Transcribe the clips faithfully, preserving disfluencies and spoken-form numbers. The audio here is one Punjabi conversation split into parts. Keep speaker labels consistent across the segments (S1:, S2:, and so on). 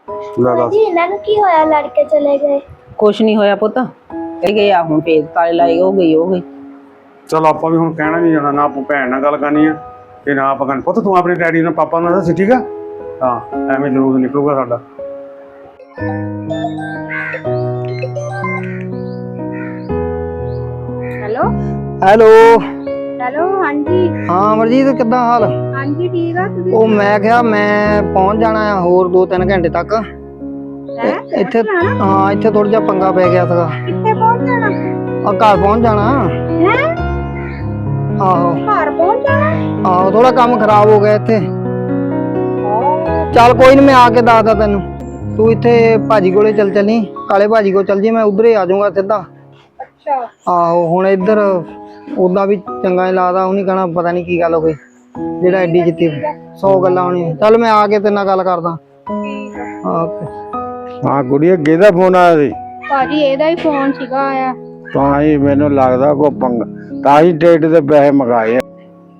S1: जी इन्होंने की होया लड़के चले गए
S2: कुछ नहीं होया पुत कही गए आ हुण पेज ताले लाए हो गई हो गई
S3: चल ਆਪਾਂ ਵੀ ਹੁਣ ਕਹਿਣਾ ਨਹੀਂ ਜਾਣਾ ਨਾ ਆਪੂ ਭੈਣ ਨਾਲ ਗੱਲ ਕਰਨੀ ਆ ਤੇ ਨਾ ਆਪਾਂ ਕਹਿਣਾ ਪੁੱਤ ਤੂੰ ਆਪਣੇ ਡੈਡੀ ਨਾਲ ਪਾਪਾ ਨਾਲ ਦੱਸ ਠੀਕ ਆ ਹਾਂ ਐਵੇਂ ਜ਼ਰੂਰ ਨਿਕਲੂਗਾ ਸਾਡਾ
S1: हेलो
S4: ਹੈਲੋ
S1: हेलो हाँ जी
S4: ਹਾਂ ਅਮਰਜੀਤ ਕਿੱਦਾਂ ਹਾਲ
S1: हाँ जी ठीक है तुसी
S4: ਉਹ ਮੈਂ ਕਿਹਾ ਮੈਂ ਪਹੁੰਚ ਜਾਣਾ ਆ ਹੋਰ ਦੋ ਤਿੰਨ ਘੰਟੇ ਤੱਕ
S1: हैं
S4: ਇੱਥੇ ਹਾਂ ਇੱਥੇ ਥੋੜਾ ਜਿਹਾ ਪੰਗਾ ਪੈ ਗਿਆ ਸੀਗਾ
S1: कितने पहुंच जाना
S4: ਆ ਘਰ ਪਹੁੰਚ ਜਾਣਾ
S1: हैं
S4: ਆਹੋ
S1: घर पहुंच जाना
S4: ਆਹੋ ਥੋੜਾ ਕੰਮ ਖਰਾਬ ਹੋ ਗਿਆ ਇੱਥੇ ਚੱਲ ਕੋਈ ਨਹੀਂ ਮੈਂ ਆ ਕੇ ਦੱਸਦਾ ਤੈਨੂੰ ਤੂੰ ਇੱਥੇ ਭਾਜੀ ਕੋਲੇ ਚੱਲ ਚੱਲੀ ਕਾਲੇ ਭਾਜੀ ਕੋਲ ਚੱਲ ਜੀ ਮੈਂ ਉਧਰ ਹੀ ਆ ਜਾਊਂਗਾ ਸਿੱਧਾ
S1: अच्छा
S4: ਆਹੋ ਹੁਣ ਇੱਧਰ ਉਦਾਂ ਵੀ ਚੰਗਾ ਨਹੀਂ ਲੱਗਦਾ ਉਹਨੇ ਕਹਣਾ ਪਤਾ ਨਹੀਂ ਕੀ ਗੱਲ ਹੋ ਗਈ ਜਿਹੜਾ ਐਡੀ ਜਿੱਤੀ ਸੌ ਗੱਲਾਂ ਹੋਣੀਆਂ ਚੱਲ ਮੈਂ ਆ ਕੇ ਤੇਰੇ ਨਾਲ ਗੱਲ ਕਰਦਾ ਓਕੇ
S5: ਹਾਂ ਗੁੜੀਆ ਕਿਹਦਾ ਫੋਨ ਆਇਆ ਸੀ
S1: ਭਾਜੀ ਇਹਦਾ ਹੀ ਫੋਨ ਸੀਗਾ ਆਇਆ
S5: ਤਾਂ ਹੀ ਮੈਨੂੰ ਲੱਗਦਾ ਕੋ ਪੰਗ ਤਾਂ ਹੀ ਟਿਕਟ ਦੇ ਪੈਸੇ ਮੰਗਾਏ ਆ।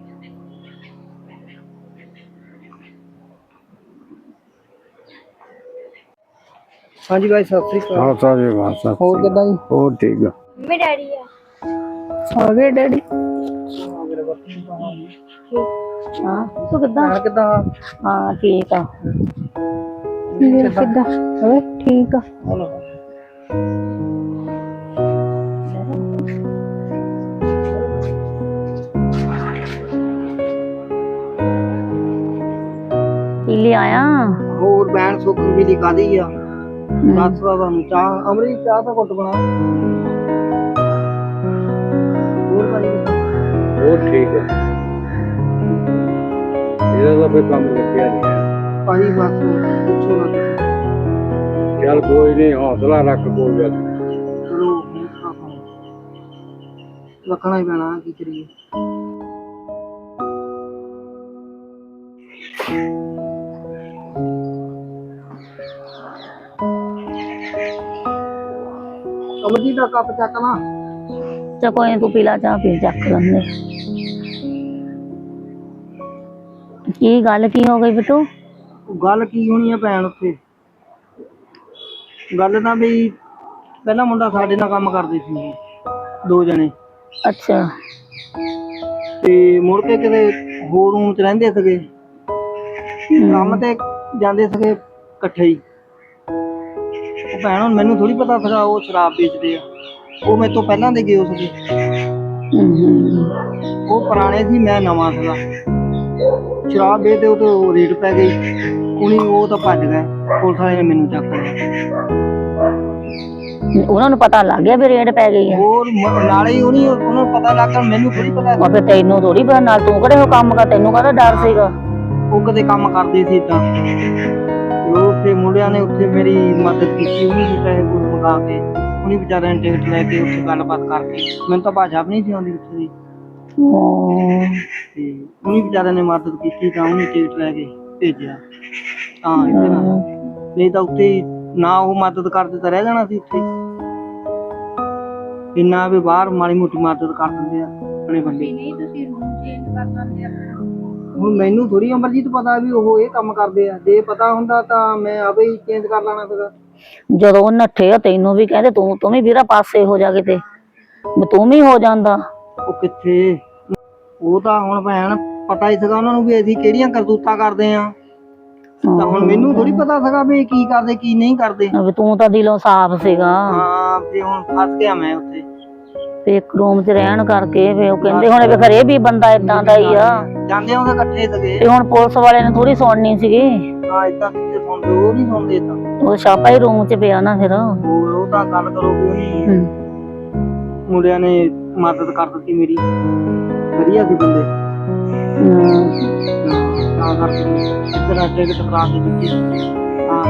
S4: ਹਾਂਜੀ ਭਾਈ ਸਤਿ ਸ੍ਰੀ ਅਕਾਲ
S5: ਹਾਂ ਸਾਰੇ ਵਾਸਾ
S4: ਹੋਰ ਕਿੱਦਾਂ ਜੀ
S5: ਹੋਰ ਠੀਕ ਆ
S1: मेरे डैडी है
S4: ਆ ਗਏ ਡੈਡੀ
S2: हां तू किदा
S4: ਹਾਂ ਕਿੱਦਾਂ
S2: हां ठीक आ
S1: किदा ओए ठीक है
S2: पीली आया
S4: ਹੋਰ ਬੈਣ ਸੁੱਕ ਵੀ ਦੀ ਕਾਦੀ ਆ ਦੱਸ ਦਾ ਤੁਹਾਨੂੰ ਚਾਹ ਅਮਰੀ ਚਾਹ ਤਾਂ ਘੁੱਟ ਬਣਾ ਹੋਰ ਭਾਈ
S5: ਹੋਰ ਠੀਕ ਆ ਇਹਦਾ ਤਾਂ ਕੋਈ ਕੰਮ ਲੱਗਿਆ ਨਹੀਂ
S4: ਭਾਈ ਬਸ ਪੁੱਛੋ ਨਾ ਤੁਸੀਂ।
S5: ਚੱਲ ਕੋਈ ਨਹੀਂ ਹੌਸਲਾ ਰੱਖ ਕੋਈ ਗੱਲ ਨੀ।
S4: ਚਲੋ ਹੌਸਲਾ ਕਰੋ। ਰੱਖਣਾ ਹੀ ਪੈਣਾ ਕੀ ਕਰੀਏ ਅਮਰਜੀਤ ਦਾ ਕੱਪ ਚੱਕ ਨਾ
S2: चा कोई नहीं तू पीला चाह पी चक लंदे की गल की हो गई बिटू
S4: ਗੱਲ ਕੀ ਹੋਣੀ ਆ ਭੈਣ ਉੱਥੇ ਗੱਲ ਤਾਂ ਵੀ ਪਹਿਲਾ ਮੁੰਡਾ ਸਾਡੇ ਨਾਲ ਕੰਮ ਕਰਦੇ ਸੀ ਦੋ ਜਣੇ
S2: अच्छा
S4: ਤੇ ਮੁੜ ਕੇ ਕਿਤੇ ਹੋਰ ਰੂਮ ਚ ਰਹਿੰਦੇ ਸੀਗੇ ਕੰਮ ਤੇ ਜਾਂਦੇ ਸੀਗੇ ਇਕੱਠੇ ਹੀ ਉਹ ਭੈਣ ਹੁਣ ਮੈਨੂੰ ਥੋੜੀ ਪਤਾ ਸੀਗਾ ਉਹ ਸ਼ਰਾਬ ਵੇਚਦੇ ਆ ਉਹ ਮੇਰੇ ਤੋਂ ਪਹਿਲਾਂ ਦੇ ਗਏ ਸੀਗੇ ਉਹ ਪੁਰਾਣੇ ਸੀ ਮੈਂ ਨਵਾਂ ਸੀਗਾ ਸ਼ਰਾਬ ਵੇਚਦੇ ਉਹ ਤੋਂ ਰੇਟ ਪੈ ਗਈ ਉਹਨੀ ਉਹ ਤਾਂ ਭੱਜ ਗਏ ਪੁਲਿਸ ਵਾਲੇ ਨੇ ਮੈਨੂੰ ਚੱਕ ਲਿਆ
S2: ਉਹਨਾਂ ਨੂੰ ਪਤਾ ਲੱਗ ਗਿਆ ਵੀ ਰੇਡ ਪੈ ਗਈ ਹੈ
S4: ਹੋਰ ਮ- ਨਾਲੇ ਹੀ ਉਹਨੀ ਉਹਨਾਂ ਨੂੰ ਪਤਾ ਲੱਗ ਗਿਆ ਮੈਨੂੰ ਥੋੜੀ ਪਤਾ
S2: ਉਹ ਫਿਰ ਤੈਨੂੰ ਥੋੜੀ ਪਤਾ ਨਾਲ ਤੂੰ ਕਿਹੜੇ ਹੋ ਕੰਮ ਕਰ ਤੈਨੂੰ ਕਾਹਦਾ ਡਰ ਸੀਗਾ
S4: ਉਹ ਕਦੇ ਕੰਮ ਕਰਦੇ ਸੀ ਤਾਂ ਉਹ ਤੇ ਮੁੰਡਿਆਂ ਨੇ ਉੱਥੇ ਮੇਰੀ ਮਦਦ ਕੀਤੀ ਉਹਨੇ ਵੀ ਪੈਸੇ ਪੂਸੇ ਮੰਗਾ ਕੇ ਉਹਨੇ ਵਿਚਾਰਿਆਂ ਨੇ ਟਿਕਟ ਲੈ ਕੇ ਉੱਥੇ ਗੱਲਬਾਤ ਕਰਕੇ ਮੈਨੂੰ ਤਾਂ ਭਾਸ਼ਾ ਵੀ ਨਹੀਂ ਸੀ ਆਉਂਦੀ ਉੱਥੇ ਦੀ ਤੇ ਉਹਨੇ ਵਿਚਾਰਿਆਂ ਨੇ ਮਦਦ ਕੀਤੀ ਤਾਂ ਉਹਨੇ ਟਿਕਟ ਲੈ ਕੇ ਭੇਜਿਆ ਤਾਂ ਇੱਥੇ ਨਾ ਨਹੀਂ ਤਾਂ ਉੱਥੇ ਹੀ ਨਾ ਉਹ ਮਦਦ ਕਰਦੇ ਤਾਂ ਰਹਿ ਜਾਣਾ ਸੀ ਉੱਥੇ ਇੰਨਾ ਵੀ ਬਾਹਰ ਮਾੜੀ ਮੋਟੀ ਮਦਦ ਕਰ ਦਿੰਦੇ ਆ ਆਪਣੇ ਬੰਦੇ
S1: नहीं तुसी रूम चेंज कर लेंदे अपना
S4: ਹੁਣ ਮੈਨੂੰ ਥੋੜੀ ਅਮਰਜੀਤ ਪਤਾ ਵੀ ਉਹ ਇਹ ਕੰਮ ਕਰਦੇ ਆ ਜੇ ਪਤਾ ਹੁੰਦਾ ਤਾਂ ਮੈਂ ਆਪੇ ਹੀ ਚੇਂਜ ਕਰ ਲੈਣਾ ਸੀਗਾ
S2: ਜਦੋਂ ਉਹ ਨੱਠੇ ਆ ਤੈਨੂੰ ਵੀ ਕਹਿੰਦੇ ਤੂੰ ਤੂੰ ਵੀ ਵੀਰਾ ਪਾਸੇ ਹੋ ਜਾ ਕਿਤੇ ਵੀ ਤੂੰ ਵੀ ਹੋ ਜਾਂਦਾ
S4: ਉਹ ਕਿੱਥੇ ਉਹ ਤਾਂ ਹੁਣ ਭੈਣ ਪਤਾ ਹੀ ਸੀਗਾ ਉਹਨਾਂ ਨੂੰ ਵੀ ਅਸੀਂ ਕਿਹੜੀਆਂ ਕਰਤੂਤਾਂ ਕਰਦੇ ਆ ਤਾਂ ਹੁਣ ਮੈਨੂੰ ਥੋੜੀ ਪਤਾ ਸੀਗਾ ਵੀ ਕੀ ਕਰਦੇ ਕੀ ਨਹੀਂ ਕਰਦੇ
S2: ਵੀ ਤੂੰ ਤਾਂ ਦਿਲੋਂ ਸਾਫ਼ ਸੀਗਾ
S4: ਹਾਂ ਤੇ ਹੁਣ ਫਸ ਗਿਆ ਮੈਂ ਉੱਥੇ
S2: ਤੇ ਇੱਕ ਰੂਮ 'ਚ ਰਹਿਣ ਕਰਕੇ ਵੀ ਉਹ ਕਹਿੰਦੇ ਹੁਣ ਵੀ ਖਰੇ ਵੀ ਬੰਦਾ ਇਦਾਂ ਦਾ ਹੀ ਆ
S4: ਜਾਂਦੇ ਉਹਦੇ ਇਕੱਠੇ ਸੀਗੇ
S2: ਤੇ ਹੁਣ ਪੁਲਿਸ ਵਾਲੇ ਨੇ ਥੋੜੀ ਸੁਣਨੀ ਸੀਗੀ
S4: ਹਾਂ ਇਦਾਂ ਕਿੱਥੇ ਸੁਣਦੇ ਉਹ ਨਹੀਂ ਸੁਣਦੇ ਤਾਂ
S2: ਉਹ ਛਾਪਾ ਹੀ ਰੂਮ 'ਚ ਪਿਆ ਨਾ ਫਿਰ
S4: ਹੋਰ ਉਹ ਤਾਂ ਗੱਲ ਕਰੋ ਵੀ ਉਹਨੇ
S2: ਹਮ।
S4: ਮੁੰਡਿਆਂ ਨੇ ਮਦਦ ਕਰ ਦਿੱਤੀ ਮੇਰੀ ਵਧੀਆ ਸੀ ਬੰਦੇ ਤਾਂ ਕਰਕੇ ਇੱਧਰ ਆ ਟਿਕਟ ਕਰਾ ਕੇ ਦਿੱਤੀ ਹਾਂ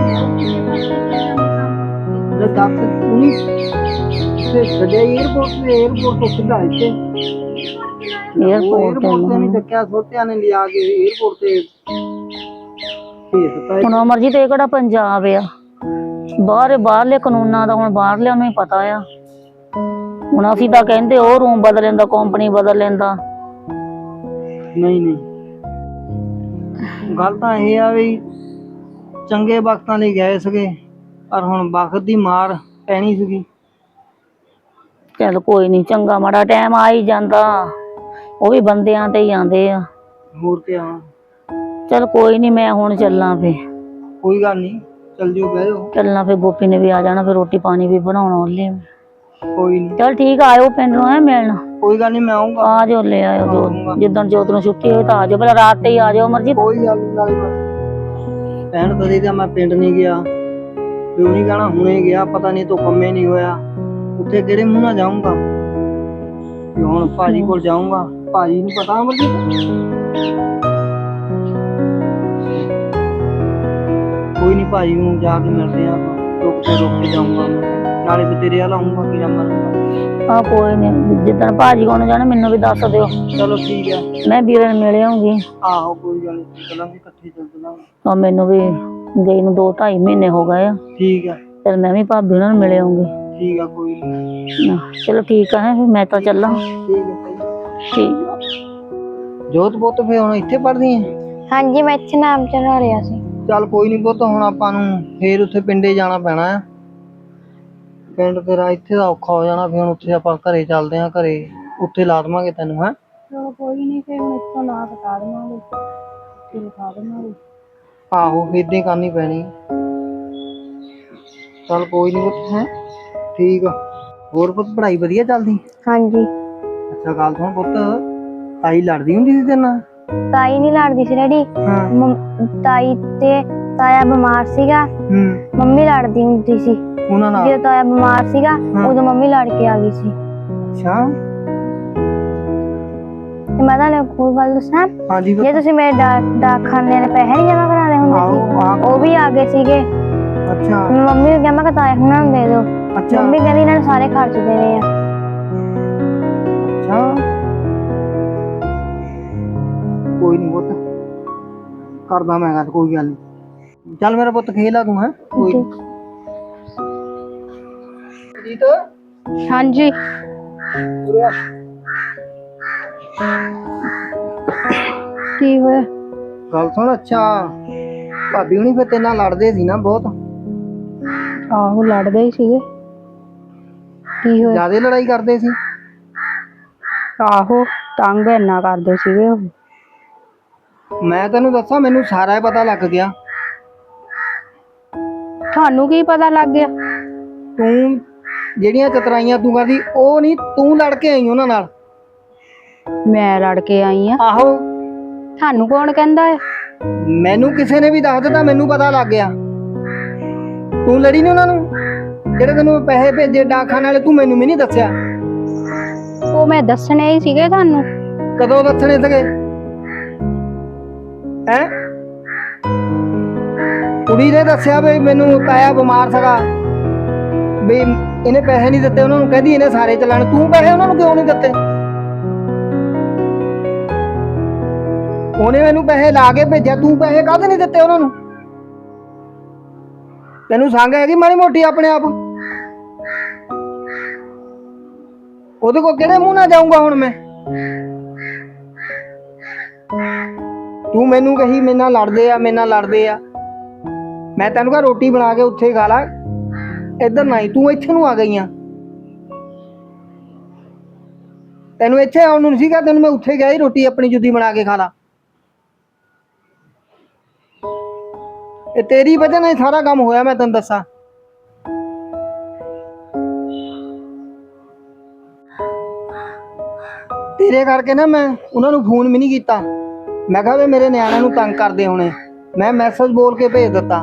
S4: ਲੈ ਦੱਸ ਉਹਨੇ ਤੇ ਸਜੇ 에어ਪੋਰਟ ਤੇ 에어ਪੋਰਟ ਤੋਂ ਸਿੱਧਾ ਇੱਥੇ
S2: 에어ਪੋਰਟ
S4: 에어ਪੋਰਟ ਤੇ ਨਹੀਂ ਚੱਕਿਆ ਛੋਟਿਆਂ ਨੇ ਲਿਆ ਕੇ 에어ਪੋਰਟ ਤੇ ਭੇਜ ਦਿੱਤਾ
S2: ਹੁਣ ਅਮਰਜੀਤ ਇਹ ਕਿਹੜਾ ਪੰਜਾਬ ਆ ਬਾਹਰ ਬਾਹਰਲੇ ਕਾਨੂੰਨਾਂ ਦਾ ਹੁਣ ਬਾਹਰਲਿਆਂ ਨੂੰ ਹੀ ਪਤਾ ਆ ਹੁਣ ਅਸੀਂ ਤਾਂ ਕਹਿੰਦੇ ਉਹ ਰੂਮ ਬਦਲ ਲੈਂਦਾ ਕੰਪਨੀ ਬਦਲ ਲੈਂਦਾ
S4: ਨਹੀਂ ਨਹੀਂ ਗੱਲ ਤਾਂ ਇਹ ਆ ਵੀ ਚੰਗੇ ਵਕਤਾਂ ਲਈ ਗਏ ਸੀਗੇ, ਪਰ ਹੁਣ ਵਕਤ ਦੀ ਮਾਰ ਪੈਣੀ ਸੀਗੀ।
S2: ਚੱਲ ਕੋਈ ਨਹੀਂ, ਚੰਗਾ ਮਾੜਾ ਟਾਈਮ ਆ ਹੀ ਜਾਂਦਾ, ਉਹ ਵੀ ਬੰਦਿਆਂ ਤੇ ਹੀ ਆਉਂਦੇ ਆ।
S4: ਹੋਰ ਕਿਆ।
S2: ਚੱਲ ਕੋਈ ਨਹੀਂ, ਮੈਂ ਹੁਣ ਚੱਲਾਂ ਫੇ।
S4: ਕੋਈ ਗੱਲ ਨਹੀਂ, ਚੱਲ ਜਿਓ, ਬਹਿ ਜਾਓ।
S2: ਚੱਲਣਾ ਫੇ, ਗੋਪੀ ਨੇ ਵੀ ਆ ਜਾਣਾ, ਫਿਰ ਰੋਟੀ ਪਾਣੀ ਵੀ ਬਣਾਉਣਾ ਉਹਲੇ।
S4: ਕੋਈ ਨਹੀਂ,
S2: ਚੱਲ ਠੀਕ ਆ, ਆਇਓ ਪਿੰਡ ਨੂੰ ਐ ਮਿਲਣ।
S4: ਕੋਈ ਗੱਲ ਨਹੀਂ, ਮੈਂ ਆਉਂਗਾ।
S2: ਆ ਜਾਓ, ਲੈ ਆਇਓ ਜੋ ਜਿੱਦਣ ਜੋਤ ਨੂੰ ਛੁੱਟੀ ਹੋਈ ਤਾਂ ਆ ਜਾਓ, ਭਲਾ ਰਾਤ ਤੇ ਹੀ ਆ ਜਾਓ ਮਰਜੀ।
S4: ਕੋਈ ਗੱਲ ਨਹੀਂ, ਨਾਲੇ ਭੈਣ ਤਦੀ ਤਾਂ ਮੈਂ ਪਿੰਡ ਨਹੀਂ ਗਿਆ, ਕਿਉਂ ਨਹੀਂ ਕਹਿਣਾ, ਹੁਣੇ ਗਿਆ, ਪਤਾ ਨਹੀਂ ਤੂੰ ਕੰਮੇ ਨਹੀਂ ਹੋਇਆ, ਉੱਥੇ ਕਿਹੜੇ ਮੂੰਹ ਨਾਲ ਜਾਊਂਗਾ। ਤੇ ਹੁਣ ਭਾਜੀ ਕੋਲ ਜਾਊਂਗਾ, ਭਾਜੀ ਨੂੰ ਪਤਾ ਅਮਰਜੀਤ। ਕੋਈ ਨਹੀਂ, ਭਾਜੀ ਨੂੰ ਜਾ ਕੇ ਮਿਲਦੇ ਆ ਆਪਾਂ, ਰੁਕ ਕੇ ਰੁਕ ਕੇ ਜਾਊਂਗਾ, ਨਾਲੇ ਵੀ ਤੇਰੇ ਵੱਲ ਆਊਂਗਾ, ਕਿ ਮਰੂੰਗਾ।
S2: ਆ ਕੋਈ ਨਹੀਂ, ਜਿੱਦਣ ਭਾਜੀ ਕੋਲ ਜਾਣਾ ਮੈਨੂੰ ਵੀ ਦੱਸ ਦਿਓ।
S4: ਚਲੋ ਠੀਕ ਹੈ।
S2: ਮੈਂ ਵੀਰੇ ਨੂੰ ਮਿਲ ਆਉਂਗੀ।
S4: ਆਹੋ ਕੋਈ ਗੱਲ ਨਹੀਂ, ਚਲਾਂਗੇ ਇਕੱਠੇ ਚੱਲ ਚਲਾਂਗੇ।
S2: ਆ ਮੈਨੂੰ ਵੀ ਗਈ ਨੂੰ ਦੋ ਢਾਈ ਮਹੀਨੇ ਹੋ ਗਏ ਆ।
S4: ਠੀਕ ਹੈ,
S2: ਚਲ ਮੈਂ ਵੀ ਭਾਬੀ ਉਹਨਾਂ ਨੂੰ ਮਿਲ ਆਉਂਗੀ।
S4: ਠੀਕ ਆ, ਕੋਈ ਨਹੀਂ।
S2: ਚਲੋ ਠੀਕ ਆ, ਫਿਰ ਮੈਂ ਤਾਂ ਚੱਲਾਂ।
S4: ਠੀਕ ਹੈ,
S2: ਠੀਕ ਆ।
S4: ਜੋਤ ਪੁੱਤ ਫੇ ਹੁਣ ਇੱਥੇ ਪੜ੍ਹਦੀ ਹੈ?
S1: ਹਾਂਜੀ, ਮੈਂ ਇੱਥੇ ਨਾਮ ਚੜਾ ਲਿਆ ਸੀ।
S4: ਚੱਲ ਕੋਈ ਨਹੀਂ ਪੁੱਤ, ਹੁਣ ਆਪਾਂ ਨੂੰ ਫੇਰ ਉੱਥੇ ਪਿੰਡੇ ਜਾਣਾ ਪੈਣਾ ਆ। ਪਿੰਡ ਤੇਰਾ ਇੱਥੇ ਦਾ ਔਖਾ ਹੋ ਜਾਣਾ, ਫਿਰ ਹੁਣ ਉੱਥੇ ਆਪਾਂ ਘਰੇ ਚੱਲਦੇ ਆਂ, ਘਰੇ ਉੱਥੇ ਲਾ ਦੇਵਾਂਗੇ ਤੈਨੂੰ। ਹੈ
S1: ਚਲੋ ਕੋਈ ਨਹੀਂ, ਫਿਰ ਮੈਂ ਇੱਥੋਂ ਨਾ ਬਤਾ ਦੇਵਾਂਗੇ, ਫਿਰ ਲਿਖਾ ਦੇਵਾਂਗੇ।
S4: ਆਹੋ, ਏਦਾਂ ਹੀ ਕਰਨੀ ਪੈਣੀ। ਚੱਲ ਕੋਈ ਨਹੀਂ ਪੁੱਤ, ਹੈ ਠੀਕ ਆ। ਹੋਰ ਪੁੱਤ ਪੜ੍ਹਾਈ ਵਧੀਆ ਚੱਲਦੀ?
S1: ਹਾਂਜੀ।
S4: ਅੱਛਾ ਗੱਲ ਸੁਣ ਪੁੱਤ, ਤਾਈ ਲੜਦੀ ਹੁੰਦੀ ਸੀ ਤੇਰੇ ਨਾਲ?
S1: ਤਾਈ ਨਹੀਂ ਲੜਦੀ ਸੀ ਡੈਡੀ,
S4: ਹਾਂ।
S1: ਤਾਈ ਤੇ ਤਾਇਆ ਬਿਮਾਰ ਸੀਗਾ,
S4: ਹੂੰ।
S1: ਮੰਮੀ ਲੜਦੀ ਹੁੰਦੀ ਸੀ।
S4: ਉਹਨਾਂ ਨਾਲ?
S1: ਜਦੋਂ ਤਾਇਆ ਬਿਮਾਰ ਸੀਗਾ ਉਦੋਂ ਮੰਮੀ ਲੜ ਕੇ ਆ ਗਈ ਸੀ।
S4: ਅੱਛਾ।
S1: ਤੇ ਮੈਂ ਤੁਹਾਨੂੰ ਕੋਈ ਗੱਲ ਦੱਸਾਂ,
S4: ਹਾਂਜੀ
S1: ਜੇ ਤੁਸੀਂ ਮੇਰੇ ਡਾਕ ਡਾਕਖਾਨੇ ਦੇ ਪੈਸੇ ਨਹੀਂ ਜਮਾ ਕਰਾਉਣੇ ਹੁੰਦੇ ਸੀ, ਉਹ ਵੀ ਆ ਗਏ ਸੀਗੇ।
S4: ਅੱਛਾ।
S1: ਮੈਂ ਮੰਮੀ ਨੂੰ ਕਿਹਾ, ਮੈਂ ਕਿਹਾ ਤਾਇਆ ਹੁਣਾਂ ਨੂੰ ਦੇ ਦਿਓ।
S4: ਅੱਛਾ।
S1: ਮੰਮੀ ਕਹਿੰਦੀ ਇਹਨਾਂ ਨੇ ਸਾਰੇ ਖਰਚ ਦੇਣੇ ਆ।
S4: ਅੱਛਾ, ਕੋਈ ਨਹੀਂ ਪੁੱਤ, ਕਰਦਾ ਮੈਂ ਗੱਲ, ਕੋਈ ਗੱਲ ਨਹੀਂ। ਚੱਲ ਮੇਰਾ ਪੁੱਤ ਖੇਲ ਆ ਤੂੰ। ਹੈ ਕੋਈ ਜੀਤ।
S1: ਹਾਂਜੀ। ਕੀ ਹੋਇਆ?
S4: ਗੱਲ ਸੁਣ, ਅੱਛਾ ਭਾਬੀ ਹੁਣੀ ਫਿਰ ਤੇਰੇ ਨਾਲ ਲੜਦੇ ਸੀ ਨਾ ਬਹੁਤ?
S1: ਆਹੋ, ਲੜਦੇ ਹੀ ਸੀਗੇ। ਕੀ ਹੋਇਆ?
S4: ਜ਼ਿਆਦੇ ਲੜਾਈ ਕਰਦੇ ਸੀ?
S1: ਆਹੋ, ਤੰਗ ਇੰਨਾ ਕਰਦੇ ਸੀਗੇ ਉਹ।
S4: ਮੈਂ ਤੈਨੂੰ ਦੱਸਾਂ, ਮੈਨੂੰ ਸਾਰਾ ਹੀ ਪਤਾ ਲੱਗ ਗਿਆ।
S1: ਤੁਹਾਨੂੰ ਕੀ ਪਤਾ ਲੱਗ ਗਿਆ?
S4: ਤੂੰ ਜਿਹੜੀਆਂ ਚਤਰਾਈਆਂ ਤੂੰ ਕਰਦੀ, ਉਹ ਨਹੀਂ, ਤੂੰ ਲੜ ਕੇ ਆਈ ਉਹਨਾਂ ਨਾਲ।
S1: ਮੈਂ ਲੜ ਕੇ ਆਈ ਆ?
S4: ਆਹੋ।
S1: ਤੁਹਾਨੂੰ ਕੌਣ ਕਹਿੰਦਾ ਹੈ?
S4: ਮੈਨੂੰ ਕਿਸੇ ਨੇ ਵੀ ਦੱਸ ਦਿੱਤਾ, ਮੈਨੂੰ ਪਤਾ ਲੱਗ ਗਿਆ। ਤੂੰ ਲੜੀ ਨੀ ਉਹਨਾਂ ਨੂੰ? ਜਿਹੜੇ ਤੈਨੂੰ ਪੈਸੇ ਭੇਜੇ ਡਾਕਖਾਨੇ ਵਾਲੇ, ਤੂੰ ਮੈਨੂੰ ਵੀ ਨਹੀਂ ਦੱਸਿਆ।
S1: ਉਹ ਮੈਂ ਦੱਸਣੇ ਹੀ ਸੀਗੇ ਤੁਹਾਨੂੰ।
S4: ਕਦੋਂ ਦੱਸਣੇ ਸੀਗੇ? ਹੈ ਕੁੜੀ ਨੇ ਦੱਸਿਆ ਵੀ ਮੈਨੂੰ ਤਾਇਆ ਬਿਮਾਰ ਸੀਗਾ, ਵੀ ਇਹਨੇ ਪੈਸੇ ਨਹੀਂ ਦਿੱਤੇ ਉਹਨਾਂ ਨੂੰ, ਕਹਿੰਦੀ ਇਹਨੇ ਸਾਰੇ ਚਲਾਣ। ਤੂੰ ਪੈਸੇ ਉਹਨਾਂ ਨੂੰ ਕਿਉਂ ਨਹੀਂ ਦਿੱਤੇ? ਉਹਨੇ ਮੈਨੂੰ ਪੈਸੇ ਲਾ ਕੇ ਭੇਜਿਆ, ਤੂੰ ਪੈਸੇ ਕਾਹਦੇ ਨਹੀਂ ਦਿੱਤੇ ਉਹਨਾਂ ਨੂੰ? ਤੈਨੂੰ ਸੰਗ ਹੈਗੀ ਮਾੜੀ ਮੋਟੀ ਆਪਣੇ ਆਪ? ਉਹਦੇ ਕੋਲ ਕਿਹੜੇ ਮੂੰਹ ਨਾਲ ਜਾਊਂਗਾ ਹੁਣ ਮੈਂ? ਤੂੰ ਮੈਨੂੰ ਕਹੀ ਮੇਰੇ ਨਾਲ ਲੜਦੇ ਆ, ਮੇਰੇ ਨਾਲ ਲੜਦੇ ਆ। ਮੈਂ ਤੈਨੂੰ ਕਹਾਂ ਰੋਟੀ ਬਣਾ ਕੇ ਉੱਥੇ ਖਾ ਲਾ, ਇੱਧਰ ਨਹੀਂ, ਤੂੰ ਇੱਥੇ ਨੂੰ ਆ ਗਈ ਆ। ਤੈਨੂੰ ਇੱਥੇ ਆਉਣ ਨੂੰ ਨਹੀਂ ਸੀਗਾ, ਤੈਨੂੰ ਮੈਂ ਉੱਥੇ ਗਿਆ ਸੀ, ਰੋਟੀ ਆਪਣੀ ਜੁੱਦੀ ਬਣਾ ਕੇ ਖਾ ਲਾ। ਇਹ ਤੇਰੀ ਵਜ੍ਹਾ ਨਾਲ ਸਾਰਾ ਕੰਮ ਹੋਇਆ, ਮੈਂ ਤੈਨੂੰ ਦੱਸਾਂ। ਤੇਰੇ ਕਰਕੇ ਨਾ ਮੈਂ ਉਹਨਾਂ ਨੂੰ ਫੋਨ ਵੀ ਨਹੀਂ ਕੀਤਾ। ਮੈਂ ਕਿਹਾ ਵੀ ਮੇਰੇ ਨਿਆਣਿਆਂ ਨੂੰ ਤੰਗ ਕਰਦੇ ਹੋਣੇ, ਮੈਂ ਮੈਸੇਜ ਬੋਲ ਕੇ ਭੇਜ ਦਿੱਤਾ।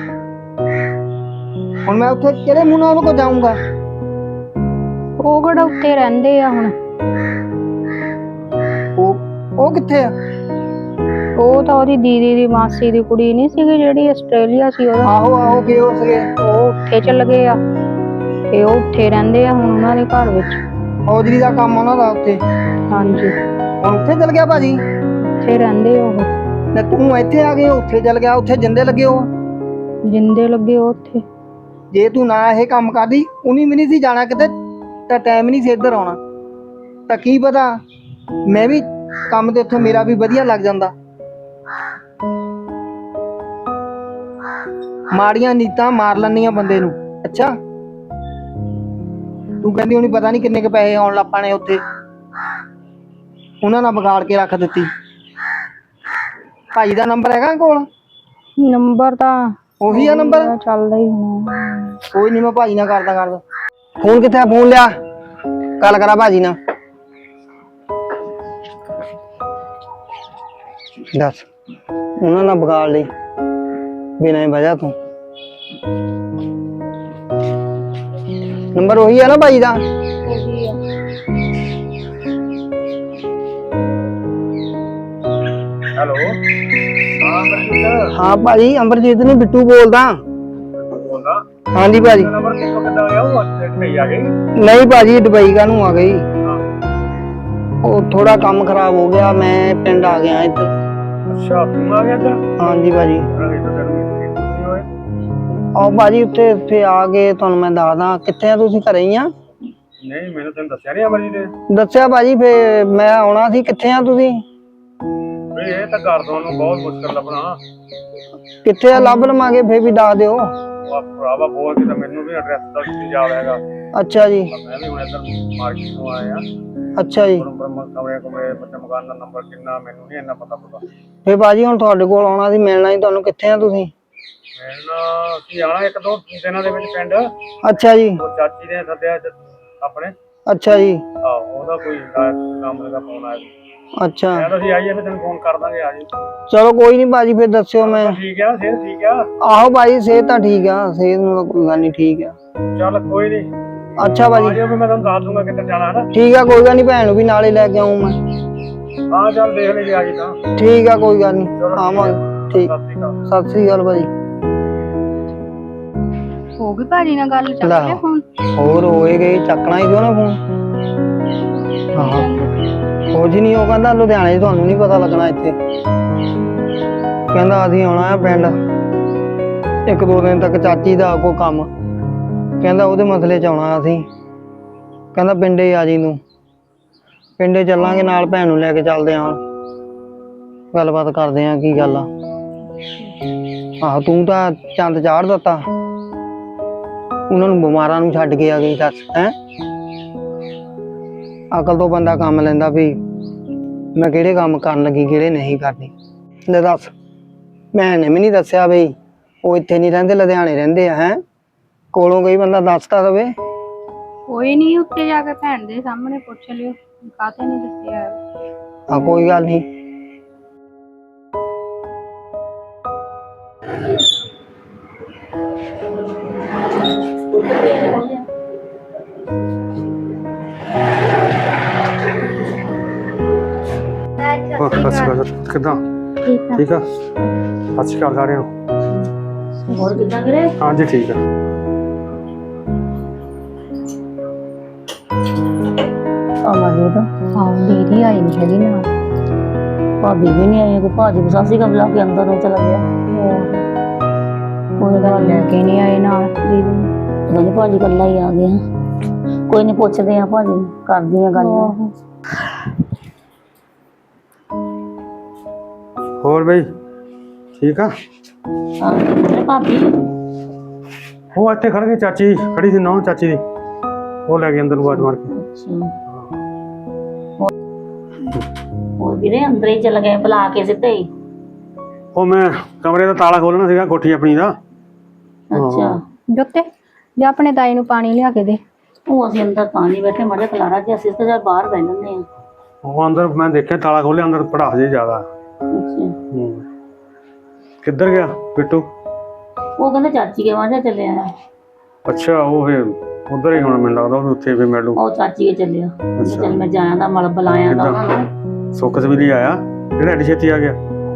S4: ਹੁਣ ਮੈਂ ਉੱਥੇ ਕਿਹੜੇ ਮੂੰਹ ਨਾਲ ਉਹਨਾਂ ਕੋਲ ਜਾਊਂਗਾ?
S1: ਉਹ ਕਿਹੜਾ ਉੱਤੇ ਰਹਿੰਦੇ ਆ ਹੁਣ?
S4: ਉਹ ਉਹ ਕਿੱਥੇ ਆ?
S1: ਉਹ ਤਾਂ ਉਹਦੀ ਦੀਦੀ ਦੀ ਮਾਸੀ ਦੀ ਕੁੜੀ ਨਹੀਂ ਸੀਗੀ ਜਿਹੜੀ ਆਸਟ੍ਰੇਲੀਆ ਸੀ ਉਹਦਾ?
S4: ਆਹੋ ਆਹੋ, ਗਏ ਹੋ ਸਕੇ।
S1: ਉਹ ਉੱਥੇ ਚੱਲ ਗਏ ਆ ਤੇ ਉਹ ਉੱਥੇ ਰਹਿੰਦੇ ਆ ਹੁਣ ਉਹਨਾਂ ਦੇ ਘਰ ਵਿੱਚ।
S4: ਹੌਜਰੀ ਦਾ ਕੰਮ ਉਹਨਾਂ ਦਾ ਉੱਥੇ?
S1: ਹਾਂਜੀ।
S4: ਹੁਣ ਉੱਥੇ ਚੱਲ ਗਿਆ ਭਾਜੀ?
S1: ਉੱਥੇ ਰਹਿੰਦੇ ਉਹ।
S4: ਤੇ ਤੂੰ ਇੱਥੇ ਆ ਗਏ, ਉੱਥੇ ਚੱਲ ਗਿਆ, ਉੱਥੇ ਜਿੰਦੇ ਲੱਗੇ ਹੋ?
S1: ਜਿੰਦੇ ਲੱਗੇ ਉਹ ਉੱਥੇ।
S4: ਜੇ ਤੂੰ ਨਾ ਇਹ ਕੰਮ ਕਰਦੀ, ਉਹਨੀ ਵੀ ਨਹੀਂ ਸੀ ਜਾਣਾ ਕਿਤੇ, ਤਾਂ ਟਾਈਮ ਨਹੀਂ ਸੀ ਇੱਧਰ ਆਉਣਾ। ਤਾਂ ਕੀ ਪਤਾ ਮੈਂ ਵੀ ਕੰਮ ਤੇ ਉੱਥੇ ਮੇਰਾ ਵੀ ਵਧੀਆ ਲੱਗ ਜਾਂਦਾ। ਮਾੜੀਆਂ ਨੀਤਾਂ ਮਾਰ ਲੈਂਦੀਆਂ ਬੰਦੇ ਨੂੰ। ਅੱਛਾ ਤੂੰ ਕਹਿੰਦੀ ਹੋਣੀ ਪਤਾ ਨਹੀਂ ਕਿੰਨੇ ਕ ਪੈਸੇ ਆਉਣ ਲੱਪਾ ਨੇ ਉੱਥੇ, ਉਹਨਾਂ ਨਾਲ ਵਿਗਾੜ ਕੇ ਰੱਖ ਦਿੱਤੀ। ਭਾਈ ਦਾ ਨੰਬਰ ਹੈਗਾ ਕੋਲ?
S1: ਨੰਬਰ ਤਾਂ
S4: ਉਹੀ ਆ ਨੰਬਰ?
S1: ਚੱਲਦਾ ਹੀ ਹੋਣਾ।
S4: ਕੋਈ ਨਹੀਂ, ਮੈਂ ਭਾਜੀ ਨਾਲ ਕਰਦਾ ਕਰਦਾ। ਫੋਨ ਕਿੱਥੇ ਆ? ਫੋਨ ਲਿਆ, ਗੱਲ ਕਰਾਂ ਭਾਜੀ ਨਾਲ। ਦੱਸ ਉਹਨਾਂ ਨਾਲ ਵਿਗਾੜ ਲਈ ਬਿਨਾਂ ਹੀ ਵਜ੍ਹਾ ਤੋਂ। ਨੰਬਰ ਉਹੀ ਆ ਨਾ ਭਾਜੀ ਦਾ?
S3: ਹੈਲੋ, ਹਾਂ ਅਮਰਜੀਤ।
S4: ਹਾਂ ਭਾਜੀ, ਅਮਰਜੀਤ ਨਹੀਂ, ਬਿੱਟੂ ਬੋਲਦਾ।
S3: ਬੋਲਦਾ?
S4: ਹਾਂਜੀ ਭਾਜੀ।
S3: ਨੰਬਰ ਕਿੱਥੋਂ ਕਿੱਦਾਂ ਗਿਆ? ਉਹ ਅੱਜ ਨਹੀਂ ਆ ਗਈ?
S4: ਨਹੀਂ ਭਾਜੀ, ਦੁਬਈ ਕਾ ਨੂੰ ਆ ਗਈ।
S3: ਹਾਂ।
S4: ਉਹ ਥੋੜਾ ਕੰਮ ਖਰਾਬ ਹੋ ਗਿਆ, ਮੈਂ ਪਿੰਡ ਆ ਗਿਆ ਇੱਧਰ।
S3: ਅੱਛਾ, ਤੂੰ ਆ ਗਿਆ ਇੱਧਰ?
S4: ਹਾਂਜੀ ਭਾਜੀ।
S3: ਅਰੇ ਤਾਂ ਤੈਨੂੰ ਨਹੀਂ ਹੋਏ।
S4: ਆਓ ਭਾਜੀ, ਉੱਥੇ ਉੱਥੇ ਆ ਕੇ ਤੁਹਾਨੂੰ ਮੈਂ ਦੱਸਦਾ। ਕਿੱਥੇ ਆ ਤੁਸੀਂ? ਘਰੇ ਹੀ ਆ?
S3: ਨਹੀਂ, ਮੈਨੂੰ ਤੈਨੂੰ ਦੱਸਿਆ ਨਹੀਂ ਅਮਰਜੀਤ ਨੇ।
S4: ਦੱਸਿਆ ਭਾਜੀ, ਫੇ ਮੈਂ ਆਉਣਾ ਸੀ। ਕਿੱਥੇ ਆ ਤੁਸੀਂ?
S3: ਵੀ ਇਹ ਤਾਂ ਘਰ ਤੋਂ ਨੂੰ ਬਹੁਤ ਮੁਸ਼ਕਲ ਲੱਭਣਾ।
S4: ਕਿੱਥੇ ਆ? ਲੱਭ ਲਵਾਂਗੇ, ਫੇ ਵੀ ਦੱਸ ਦਿਓ।
S3: ਉਹ ਭਰਾਵਾ ਬੋਲ ਕੇ ਤਾਂ ਮੈਨੂੰ ਵੀ ਐਡਰੈਸ ਦਾ ਨਹੀਂ ਯਾਦ ਹੈਗਾ।
S4: ਅੱਛਾ ਜੀ।
S3: ਮੈਂ ਵੀ ਹੁਣ ਇੱਧਰ ਮਾਰਕੀਟ ਤੋਂ ਆਇਆ।
S4: ਅੱਛਾ ਜੀ।
S3: ਕਮਰੇ ਕਮਰੇ ਬੱਚੇ ਮਕਾਨ ਦਾ ਨੰਬਰ ਕਿੰਨਾ ਮੈਨੂੰ ਨਹੀਂ ਇੰਨਾ ਪਤਾ ਪਤਾ।
S4: ਫੇ ਭਾਜੀ ਹੁਣ ਤੁਹਾਡੇ ਕੋਲ ਆਉਣਾ ਸੀ, ਮਿਲਣਾ ਸੀ ਤੁਹਾਨੂੰ। ਕਿੱਥੇ ਆ ਤੁਸੀਂ?
S3: ਮਿਲਣਾ ਅਸੀਂ ਆਣਾ ਇੱਕ ਦੋ ਦਿਨਾਂ ਦੇ ਵਿੱਚ ਪਿੰਡ।
S4: ਅੱਛਾ ਜੀ।
S3: ਉਹ ਚਾਚੀ ਨੇ ਸੱਦਿਆ ਆਪਣੇ।
S4: ਅੱਛਾ ਜੀ।
S3: ਆਹੋ, ਉਹਦਾ ਕੋਈ ਕੰਮ ਦਾ ਫੋਨ ਆਇਆ।
S4: ਅੱਛਾ,
S3: ਮੈਂ ਤਾਂ ਅਸੀਂ ਆਈਏ ਫਿਰ ਤੈਨੂੰ ਫੋਨ ਕਰ ਦਾਂਗੇ। ਆ ਜੀ।
S4: ਚਲੋ ਕੋਈ ਨਹੀਂ ਭਾਜੀ, ਫਿਰ ਦੱਸਿਓ। ਮੈਂ
S3: ਠੀਕ ਆ, ਸਿਹਤ ਠੀਕ ਆ?
S4: ਆਹੋ ਭਾਜੀ, ਸਿਹਤ ਤਾਂ ਠੀਕ ਆ, ਸਿਹਤ ਨੂੰ ਤਾਂ ਕੋਈ ਗੱਲ ਨਹੀਂ, ਠੀਕ ਆ।
S3: ਚੱਲ ਕੋਈ ਨਹੀਂ।
S4: ਅੱਛਾ ਭਾਜੀ,
S3: ਆ ਜਾਓ, ਮੈਂ ਤੁਹਾਨੂੰ ਦੱਸ ਦੂੰਗਾ ਕਿੱਧਰ ਜਾਣਾ ਹੈ ਨਾ।
S4: ਠੀਕ ਆ, ਕੋਈ ਗੱਲ ਨਹੀਂ, ਭੈਣ ਨੂੰ ਵੀ ਨਾਲੇ ਲੈ ਕੇ ਆਉਂ ਮੈਂ।
S3: ਹਾਂ ਚੱਲ ਦੇਖ ਲਈ ਆ ਜੀ ਤਾਂ।
S4: ਠੀਕ ਆ, ਕੋਈ ਗੱਲ ਨਹੀਂ, ਆਵਾਂਗੇ। ਠੀਕ,
S3: ਸਤਿ ਸ਼੍ਰੀ ਅਕਾਲ।
S4: ਸਤਿ ਸ੍ਰੀ ਅਕਾਲ ਭਾਜੀ।
S1: ਹੋ ਗਈ ਭਾਜੀ ਨਾਲ ਗੱਲ? ਚੱਕ
S4: ਲੈ।
S1: ਲਿਆ ਫੋਨ?
S4: ਹੋਰ ਹੋਏ ਗਏ, ਚੱਕਣਾ ਹੀ ਕਿਉਂ ਨਾ ਫੋਨ। ਹਾਂ, ਕੁਝ ਨਹੀਂ, ਉਹ ਕਹਿੰਦਾ ਲੁਧਿਆਣੇ 'ਚ ਤੁਹਾਨੂੰ ਨਹੀਂ ਪਤਾ ਲੱਗਣਾ ਇੱਥੇ। ਕਹਿੰਦਾ ਅਸੀਂ ਆਉਣਾ ਆ ਪਿੰਡ ਇੱਕ ਦੋ ਦਿਨ ਤੱਕ, ਚਾਚੀ ਦਾ ਕੋਈ ਕੰਮ। ਕਹਿੰਦਾ ਉਹਦੇ ਮਸਲੇ 'ਚ ਆਉਣਾ ਅਸੀਂ। ਕਹਿੰਦਾ ਪਿੰਡੇ ਆ ਜੀ ਨੂੰ, ਪਿੰਡੇ ਚੱਲਾਂਗੇ ਨਾਲ, ਭੈਣ ਨੂੰ ਲੈ ਕੇ ਚੱਲਦੇ ਆਂ, ਗੱਲਬਾਤ ਕਰਦੇ ਆਂ ਕੀ ਗੱਲ ਆ। ਆਹੋ, ਤੂੰ ਤਾਂ ਚੰਦ ਚਾੜ ਦਿੱਤਾ, ਉਹਨਾਂ ਨੂੰ ਬਿਮਾਰਾਂ ਨੂੰ ਛੱਡ ਕੇ ਆ ਗਈ। ਦੱਸ ਹੈਂ, ਅਕਲ ਤੋਂ ਬੰਦਾ ਕੰਮ ਲੈਂਦਾ ਵੀ ਮੈਂ ਕਿਹੜੇ ਕੰਮ ਕਰਨ ਲੱਗੀ, ਕਿਹੜੇ ਨਹੀਂ ਕਰਨੀ। ਲੈ ਦੱਸ, ਭੈਣ ਨੇ ਵੀ ਨਹੀਂ ਦੱਸਿਆ ਬਈ ਉਹ ਇੱਥੇ ਨਹੀਂ ਰਹਿੰਦੇ, ਲੁਧਿਆਣੇ ਰਹਿੰਦੇ ਆ। ਹੈਂ, ਕੋਲੋਂ ਕੋਈ ਬੰਦਾ ਦੱਸਦਾ ਦਵੇ।
S1: ਕੋਈ ਨਹੀਂ, ਉੱਤੇ ਜਾ ਕੇ ਭੈਣ ਦੇ ਸਾਹਮਣੇ ਪੁੱਛ ਲਿਓ, ਕਾਹਤੇ ਨਹੀਂ ਦੱਸਿਆ।
S4: ਹਾਂ, ਕੋਈ ਗੱਲ ਨਹੀਂ।
S3: ਹੋਰ ਸਤਿ ਸ਼੍ਰੀ ਅਕਾਲ। ਕਿੱਦਾਂ? ਠੀਕ ਆ। ਸਤਿ ਸ਼੍ਰੀ ਅਕਾਲ ਸਾਰਿਆਂ ਨੂੰ।
S2: ਹੋਰ ਕਿੱਦਾਂ ਵੀਰੇ?
S3: ਹਾਂਜੀ ਠੀਕ ਆ।
S2: ਅਮਰਜੀਤ,
S1: ਹਾਂ, ਦੀਦੀ ਆਈ ਨਹੀਂ ਹੈਗੀ ਨਾਲ।
S2: ਭਾਬੀ ਵੀ ਨਹੀਂ ਆਈ। ਕੋਈ ਭਾਜੀ ਨੂੰ ਸਾਸੀ ਕਾ ਬੁਲਾ ਕੇ ਅੰਦਰ ਨੂੰ ਚਲਾ ਗਿਆ। ਕੋਈ ਗੱਲ
S1: ਲੈ ਕੇ ਨਹੀਂ ਆਏ ਨਾਲ ਦੀਦੀ ਨੂੰ।
S2: ਪਤਾ ਨੀ ਭਾਜੀ ਇਕੱਲਾ ਹੀ ਆ ਗਿਆ। ਕੋਈ ਨੀ, ਪੁੱਛਦੇ ਆ ਭਾਜੀ ਨੂੰ, ਕਰਦੀ ਆ ਗੱਲ।
S3: ਹੋਰ ਬਈ ਠੀਕ ਆ?
S2: ਹਾਂ ਭਾਬੀ,
S3: ਉਹ ਇੱਥੇ ਖੜ ਗਈ, ਚਾਚੀ ਖੜੀ ਸੀ, ਨੌ ਚਾਚੀ ਦੀ, ਉਹ ਲੈ ਗਈ ਅੰਦਰ ਨੂੰ ਆਵਾਜ਼ ਮਾਰ ਕੇ।
S2: ਅੱਛਾ। ਹੋਰ ਵੀਰੇ ਅੰਦਰ ਹੀ ਚਲ ਗਏ ਬੁਲਾ ਕੇ ਸਿੱਧੇ ਹੀ?
S3: ਉਹ ਮੈਂ ਕਮਰੇ ਦਾ ਤਾਲਾ ਖੋਲਣਾ ਸੀਗਾ, ਕੋਠੀ ਆਪਣੀ ਦਾ।
S2: ਅੱਛਾ।
S1: ਜੋਤੇ ਜਾਂ ਆਪਣੇ ਤਾਈ ਨੂੰ ਪਾਣੀ ਲਿਆ ਕੇ ਦੇ।
S2: ਉਹ ਅਸੀਂ ਅੰਦਰ ਤਾਂ ਨਹੀਂ ਬੈਠੇ, ਮਾੜੇ ਖਲਾਰਾ ਜਿਹਾ, ਅਸੀਂ ਤਾਂ ਬਾਹਰ ਬਹਿ ਲੈਂਦੇ ਆ।
S3: ਉਹ ਅੰਦਰ ਮੈਂ ਦੇਖਿਆ ਤਾਲਾ ਖੋਲਿਆ, ਅੰਦਰ ਪੜਾਸ ਜੇ ਜ਼ਿਆਦਾ।
S2: ਅੱਛਾ।
S3: ਹੂੰ, ਕਿੱਧਰ ਗਿਆ ਬਿੱਟੂ?
S2: ਉਹ ਕਹਿੰਦੇ ਚਾਚੀ ਕੇ ਵਾਂਝਾ ਚੱਲਿਆ।
S3: ਅੱਛਾ, ਉਹ ਫੇਰ ਉਧਰ ਹੀ ਹੋਣਾ, ਮੈਨੂੰ ਲੱਗਦਾ ਉਹ ਉੱਥੇ ਵੀ ਮਿਲੂ।
S2: ਉਹ ਚਾਚੀ ਕੇ ਚੱਲਿਆ। ਚੱਲ ਮੈਂ ਜਾਇਆ ਦਾ, ਮਲ ਬੁਲਾਇਆ ਦਾ ਉਹਨਾਂ ਨੂੰ।
S3: ਸੁੱਖ ਸਵੀਲੀ ਆਇਆ ਜਿਹੜਾ ਐਡੀ ਛੇਤੀ ਆ ਗਿਆ?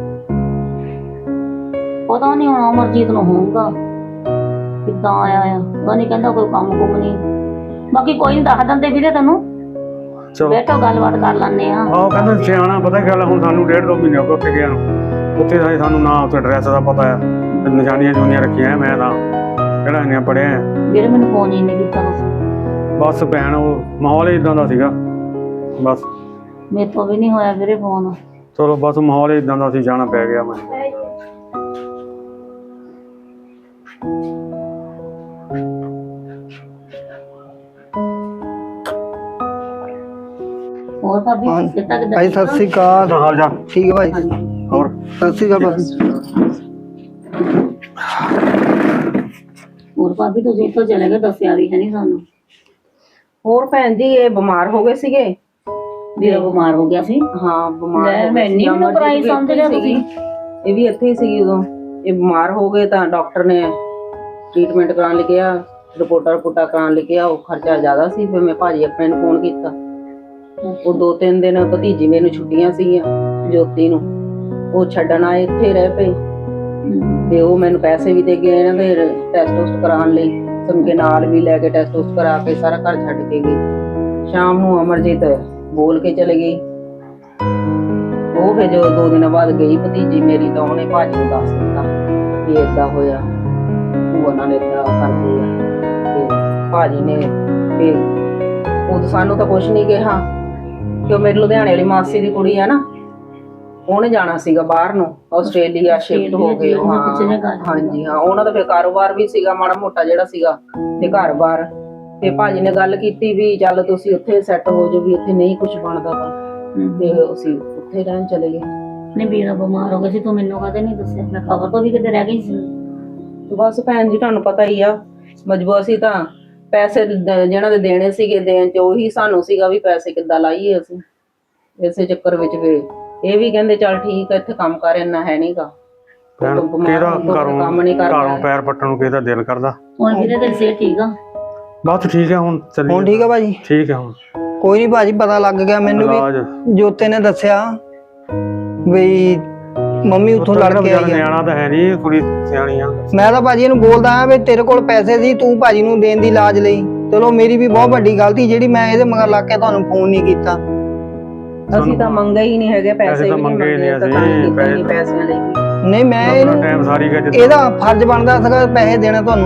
S2: ਪਤਾ ਨਹੀਂ ਹੁਣ ਅਮਰਜੀਤ ਨੂੰ ਹੋਊਗਾ ਕਿੱਦਾਂ ਆਇਆ ਆ। ਉਹ ਨਹੀਂ ਕਹਿੰਦਾ ਕੋਈ ਕੰਮ ਕੁਮ ਨਹੀਂ। ਬਾਕੀ ਕੋਈ ਨਹੀਂ, ਦੱਸ ਦਿੰਦੇ ਵੀਰੇ ਤੈਨੂੰ।
S3: ਚਲੋ
S2: ਬੈਠੋ, ਗੱਲਬਾਤ ਕਰ ਲੈਂਦੇ ਆ।
S3: ਆਹ ਕਹਿੰਦਾ ਸਿਆਣਾ, ਪਤਾ ਕੀ ਗੱਲ ਆ, ਹੁਣ ਸਾਨੂੰ ਡੇਢ ਦੋ ਮਹੀਨੇ ਹੋ ਗਏ ਉੱਥੇ ਗਿਆ ਨੂੰ। ਉੱਥੇ ਦਾ ਸਾਨੂੰ ਨਾ ਉੱਥੇ ਐਡਰੈਸ ਦਾ ਪਤਾ ਆ, ਨਿਸ਼ਾਨੀਆਂ ਜੁਨੀਆਂ ਰੱਖੀਆਂ। ਮੈਂ ਤਾਂ ਕਿਹੜਾ ਇੰਨਾ ਪੜਿਆ।
S2: ਵੀਰੇ ਮੈਨੂੰ ਫੋਨ ਹੀ ਨਹੀਂ ਕੀਤਾ ਤੁਸੀਂ।
S3: ਬਸ ਭੈਣ, ਉਹ ਮਾਹੌਲ ਹੀ ਇਦਾਂ ਦਾ ਸੀਗਾ। ਬਸ
S2: ਮੇਰੇ ਤੋਂ ਵੀ ਨਹੀਂ ਹੋਇਆ ਵੀਰੇ ਫੋਨ।
S3: ਚਲੋ ਬਸ ਮਾਹੌਲ ਹੀ ਇਦਾਂ ਦਾ ਸੀ, ਜਾਣਾ ਪੈ ਗਿਆ ਮੈਨੂੰ।
S2: ਹੋਰ ਭਾਬੀ
S4: ਹਾਂ।
S2: ਕਿੱਦਾਂ ਕਿੱਦਾਂ
S4: ਭਾਈ ਸਤਿ ਸ੍ਰੀ ਅਕਾਲ।
S3: ਹਾਲ ਜਾ
S4: ਠੀਕ ਹੈ ਭਾਈ।
S3: ਹੋਰ
S4: ਸਤਿ ਸ੍ਰੀ ਅਕਾਲ ਭਾਈ।
S2: ਹੋਰ ਭਾਬੀ ਤੁਸੀਂ ਇੱਥੋਂ ਚਲੇ ਗਏ, ਦੱਸਿਆ ਵੀ ਹੈ ਨਹੀਂ ਸਾਨੂੰ।
S6: ਹੋਰ ਭੈਣ ਜੀ ਇਹ ਬਿਮਾਰ ਹੋ ਗਏ ਸੀਗੇ।
S2: ਵੀਰਾ ਬਿਮਾਰ ਹੋ ਗਿਆ ਸੀ।
S6: ਹਾਂ ਬਿਮਾਰ
S2: ਲੈ,
S6: ਹੋ ਗਏ
S2: ਮੈਂ
S6: ਸੀ।
S2: ਇੰਨੀ
S6: ਅਮਰਜੀਤ
S2: ਘਬਰਾਈ
S6: ਵੀ
S2: ਸਮਝ
S6: ਇੱਥੇ
S2: ਲਿਆ
S6: ਹੀ ਸੀਗੀ। ਇਹ ਵੀ ਇੱਥੇ ਹੀ ਸੀਗੀ ਉਦੋਂ। ਇਹ ਬਿਮਾਰ ਹੋ ਗਏ ਤਾਂ ਡਾਕਟਰ ਨੇ ਟ੍ਰੀਟਮੈਂਟ ਕਰਾਉਣ ਲਈ ਕਿਹਾ, ਰਿਪੋਰਟਾਂ ਰਿਪੋਰਟਾਂ ਕਰਾਉਣ ਲਈ ਕਿਹਾ। ਉਹ ਖਰਚਾ ਜ਼ਿਆਦਾ ਸੀ, ਫਿਰ ਮੈਂ ਭਾਜੀ ਆਪਣੇ ਨੂੰ ਫੋਨ ਕੀਤਾ। ਉਹ ਦੋ ਤਿੰਨ ਦਿਨ ਭਤੀਜੀ ਮੈਨੂੰ ਛੁੱਟੀਆਂ ਸੀਗੀਆਂ ਜੋਤੀ ਨੂੰ, ਉਹ ਛੱਡਣ ਆਏ, ਇੱਥੇ ਰਹਿ ਪਏ। ਤੇ ਉਹ ਮੈਨੂੰ ਪੈਸੇ ਵੀ ਦੇ ਗਏ ਇਹਨਾਂ ਦੇ ਟੈਸਟ ਟੁਸਟ ਕਰਾਉਣ ਲਈ। ਸਮਕੇ ਨਾਲ ਵੀ ਲੈ ਕੇ ਟੈਸਟ ਟੁਸਟ ਕਰਾ ਕੇ ਸਾਰਾ ਘਰ ਛੱਡ ਕੇ ਗਈ। ਸ਼ਾਮ ਨੂੰ ਅਮਰਜੀਤ ਬੋਲ ਕੇ ਚਲੇ ਗਈ। ਉਹ ਫਿਰ ਜਦੋਂ ਦੋ ਦਿਨਾਂ ਬਾਅਦ ਗਈ ਭਤੀਜੀ ਮੇਰੀ, ਤਾਂ ਉਹਨੇ ਭਾਜੀ ਨੂੰ ਦੱਸ ਦਿੱਤਾ ਵੀ ਏਦਾਂ ਹੋਇਆ, ਉਹ ਉਹਨਾਂ ਨੇ ਏਦਾਂ ਕਰਦੀ ਆ। ਤੇ ਭਾਜੀ ਨੇ ਫਿਰ ਉਹ ਸਾਨੂੰ ਤਾਂ ਕੁਛ ਨਹੀਂ ਕਿਹਾ ਕਿ ਉਹ ਮੇਰੀ ਲੁਧਿਆਣੇ ਵਾਲੀ ਮਾਸੀ ਦੀ ਕੁੜੀ ਆ ਨਾ, ਉਹਨੇ ਜਾਣਾ ਸੀਗਾ ਬਾਹਰ ਨੂੰ, ਆਸਟ੍ਰੇਲੀਆ ਸ਼ਿਫਟ ਹੋ ਗਏ। ਹਾਂ ਹਾਂਜੀ ਹਾਂ, ਉਹਨਾਂ ਦਾ ਫਿਰ ਕਾਰੋਬਾਰ ਵੀ ਸੀਗਾ ਮਾੜਾ ਮੋਟਾ ਜਿਹੜਾ ਸੀਗਾ, ਤੇ ਘਰ-ਬਾਰ। ਤੇ ਭਾਜੀ ਨੇ ਗੱਲ ਕੀਤੀ ਵੀ ਚੱਲ ਤੁਸੀਂ ਉੱਥੇ ਸੈੱਟ ਹੋ ਜਾਓ, ਵੀ ਇੱਥੇ ਨਹੀਂ ਕੁਝ ਬਣਦਾ ਤਾਂ ਤੇ ਅਸੀਂ ਉੱਥੇ ਰਹਿਣ ਚਲੇ ਗਏ।
S2: ਨਹੀਂ ਵੀਰਾ ਬਿਮਾਰ ਹੋ ਗਿਆ ਸੀ, ਤੂੰ ਮੈਨੂੰ ਕਦੇ ਨਹੀਂ ਦੱਸਿਆ। ਮੈਂ ਖਬਰ ਤੋਂ ਵੀ ਕਿਤੇ ਰਹਿ ਗਈ ਸੀ।
S6: ਬਸ ਭੈਣ ਜੀ ਤੁਹਾਨੂੰ ਪਤਾ ਹੀ ਆ, ਮਜਬੂਰ ਸੀ ਤਾਂ ਪੈਸੇ ਦ- ਜਿਹਨਾਂ ਦੇ ਦੇਣੇ ਸੀਗੇ ਦੇਣ ਚ ਉਹੀ ਸਾਨੂੰ ਸੀਗਾ ਵੀ ਪੈਸੇ ਕਿੱਦਾਂ ਲਾਈਏ ਅਸੀਂ। ਇਸੇ ਚੱਕਰ ਵਿੱਚ ਵੀ ਇਹ ਵੀ ਕਹਿੰਦੇ ਚੱਲ ਠੀਕ ਆ, ਇੱਥੇ ਕੰਮ ਕਰ ਇੰਨਾ ਹੈ ਨਹੀਂਗਾ।
S3: ਭੈਣ ਕਿਹਦਾ ਘਰੋਂ
S6: ਕੰਮ ਨਹੀਂ ਕਰਦਾ।
S3: ਘਰੋਂ ਪੈਰ ਪੱਟਣ ਨੂੰ ਕਿਹਦਾ ਦਿਲ ਕਰਦਾ।
S2: ਹੁਣ ਵੀਰੇ ਤੇਰੀ ਸਿਹਤ ਠੀਕ ਆ?
S3: ਬਸ ਠੀਕ ਹੈ ਹੁਣ ਚੱਲੀ।
S4: ਹੁਣ ਠੀਕ ਆ ਭਾਜੀ?
S3: ਠੀਕ ਹੈ ਹੁਣ।
S4: ਕੋਈ ਨਹੀਂ ਭਾਜੀ, ਪਤਾ ਲੱਗ ਗਿਆ ਮੈਨੂੰ
S3: ਇਲਾਜ
S4: ਵੀ। ਜੋਤੇ ਨੇ ਦੱਸਿਆ ਵੀ ਮੰਮੀ ਉੱਥੋਂ ਲੜ ਕੇ ਆਈ ਆ।
S3: ਨਿਆਣਾ ਤਾਂ ਹੈ ਨਹੀਂ, ਕੁੜੀ ਸਿਆਣੀ ਆ।
S4: ਮੈਂ ਤਾਂ ਭਾਜੀ ਇਹਨੂੰ ਬੋਲਦਾ ਆ ਵੀ ਤੇਰੇ ਕੋਲ ਪੈਸੇ ਸੀ, ਤੂੰ ਭਾਜੀ ਨੂੰ ਦੇਣ ਦੀ ਇਲਾਜ ਲਈ। ਚਲੋ ਮੇਰੀ ਵੀ ਬਹੁਤ ਵੱਡੀ ਗਲਤੀ ਜਿਹੜੀ ਮੈਂ ਇਹਦੇ ਮਗਰ ਲੱਗ ਕੇ ਤੁਹਾਨੂੰ ਫੋਨ ਨਹੀਂ ਕੀਤਾ।
S6: ਅਸੀਂ ਤਾਂ ਮੰਗੇ ਹੀ ਨਹੀਂ ਹੈਗੇ ਪੈਸੇ,
S3: ਤਾਂ
S6: ਵੀ
S3: ਮੰਗੇ
S6: ਨਹੀਂ
S3: ਨਹੀਂ
S6: ਮੰਗੇ, ਤਾਂ
S3: ਅਸੀਂ,
S6: ਤਾਂ ਹੀ ਕੀਤੇ
S3: ਪੈਸੇ
S6: ਨਹੀਂ ਪੈਸਿਆਂ ਲਈ।
S4: ਨਹੀਂ ਮੈਂ ਇਹਨੂੰ
S3: ਟਾਈਮ ਸਾਰੀ ਗਿਆ
S4: ਇਹਦਾ ਫਰਜ਼ ਬਣਦਾ ਸੀਗਾ ਪੈਸੇ ਦੇਣਾ ਤੁਹਾਨੂੰ,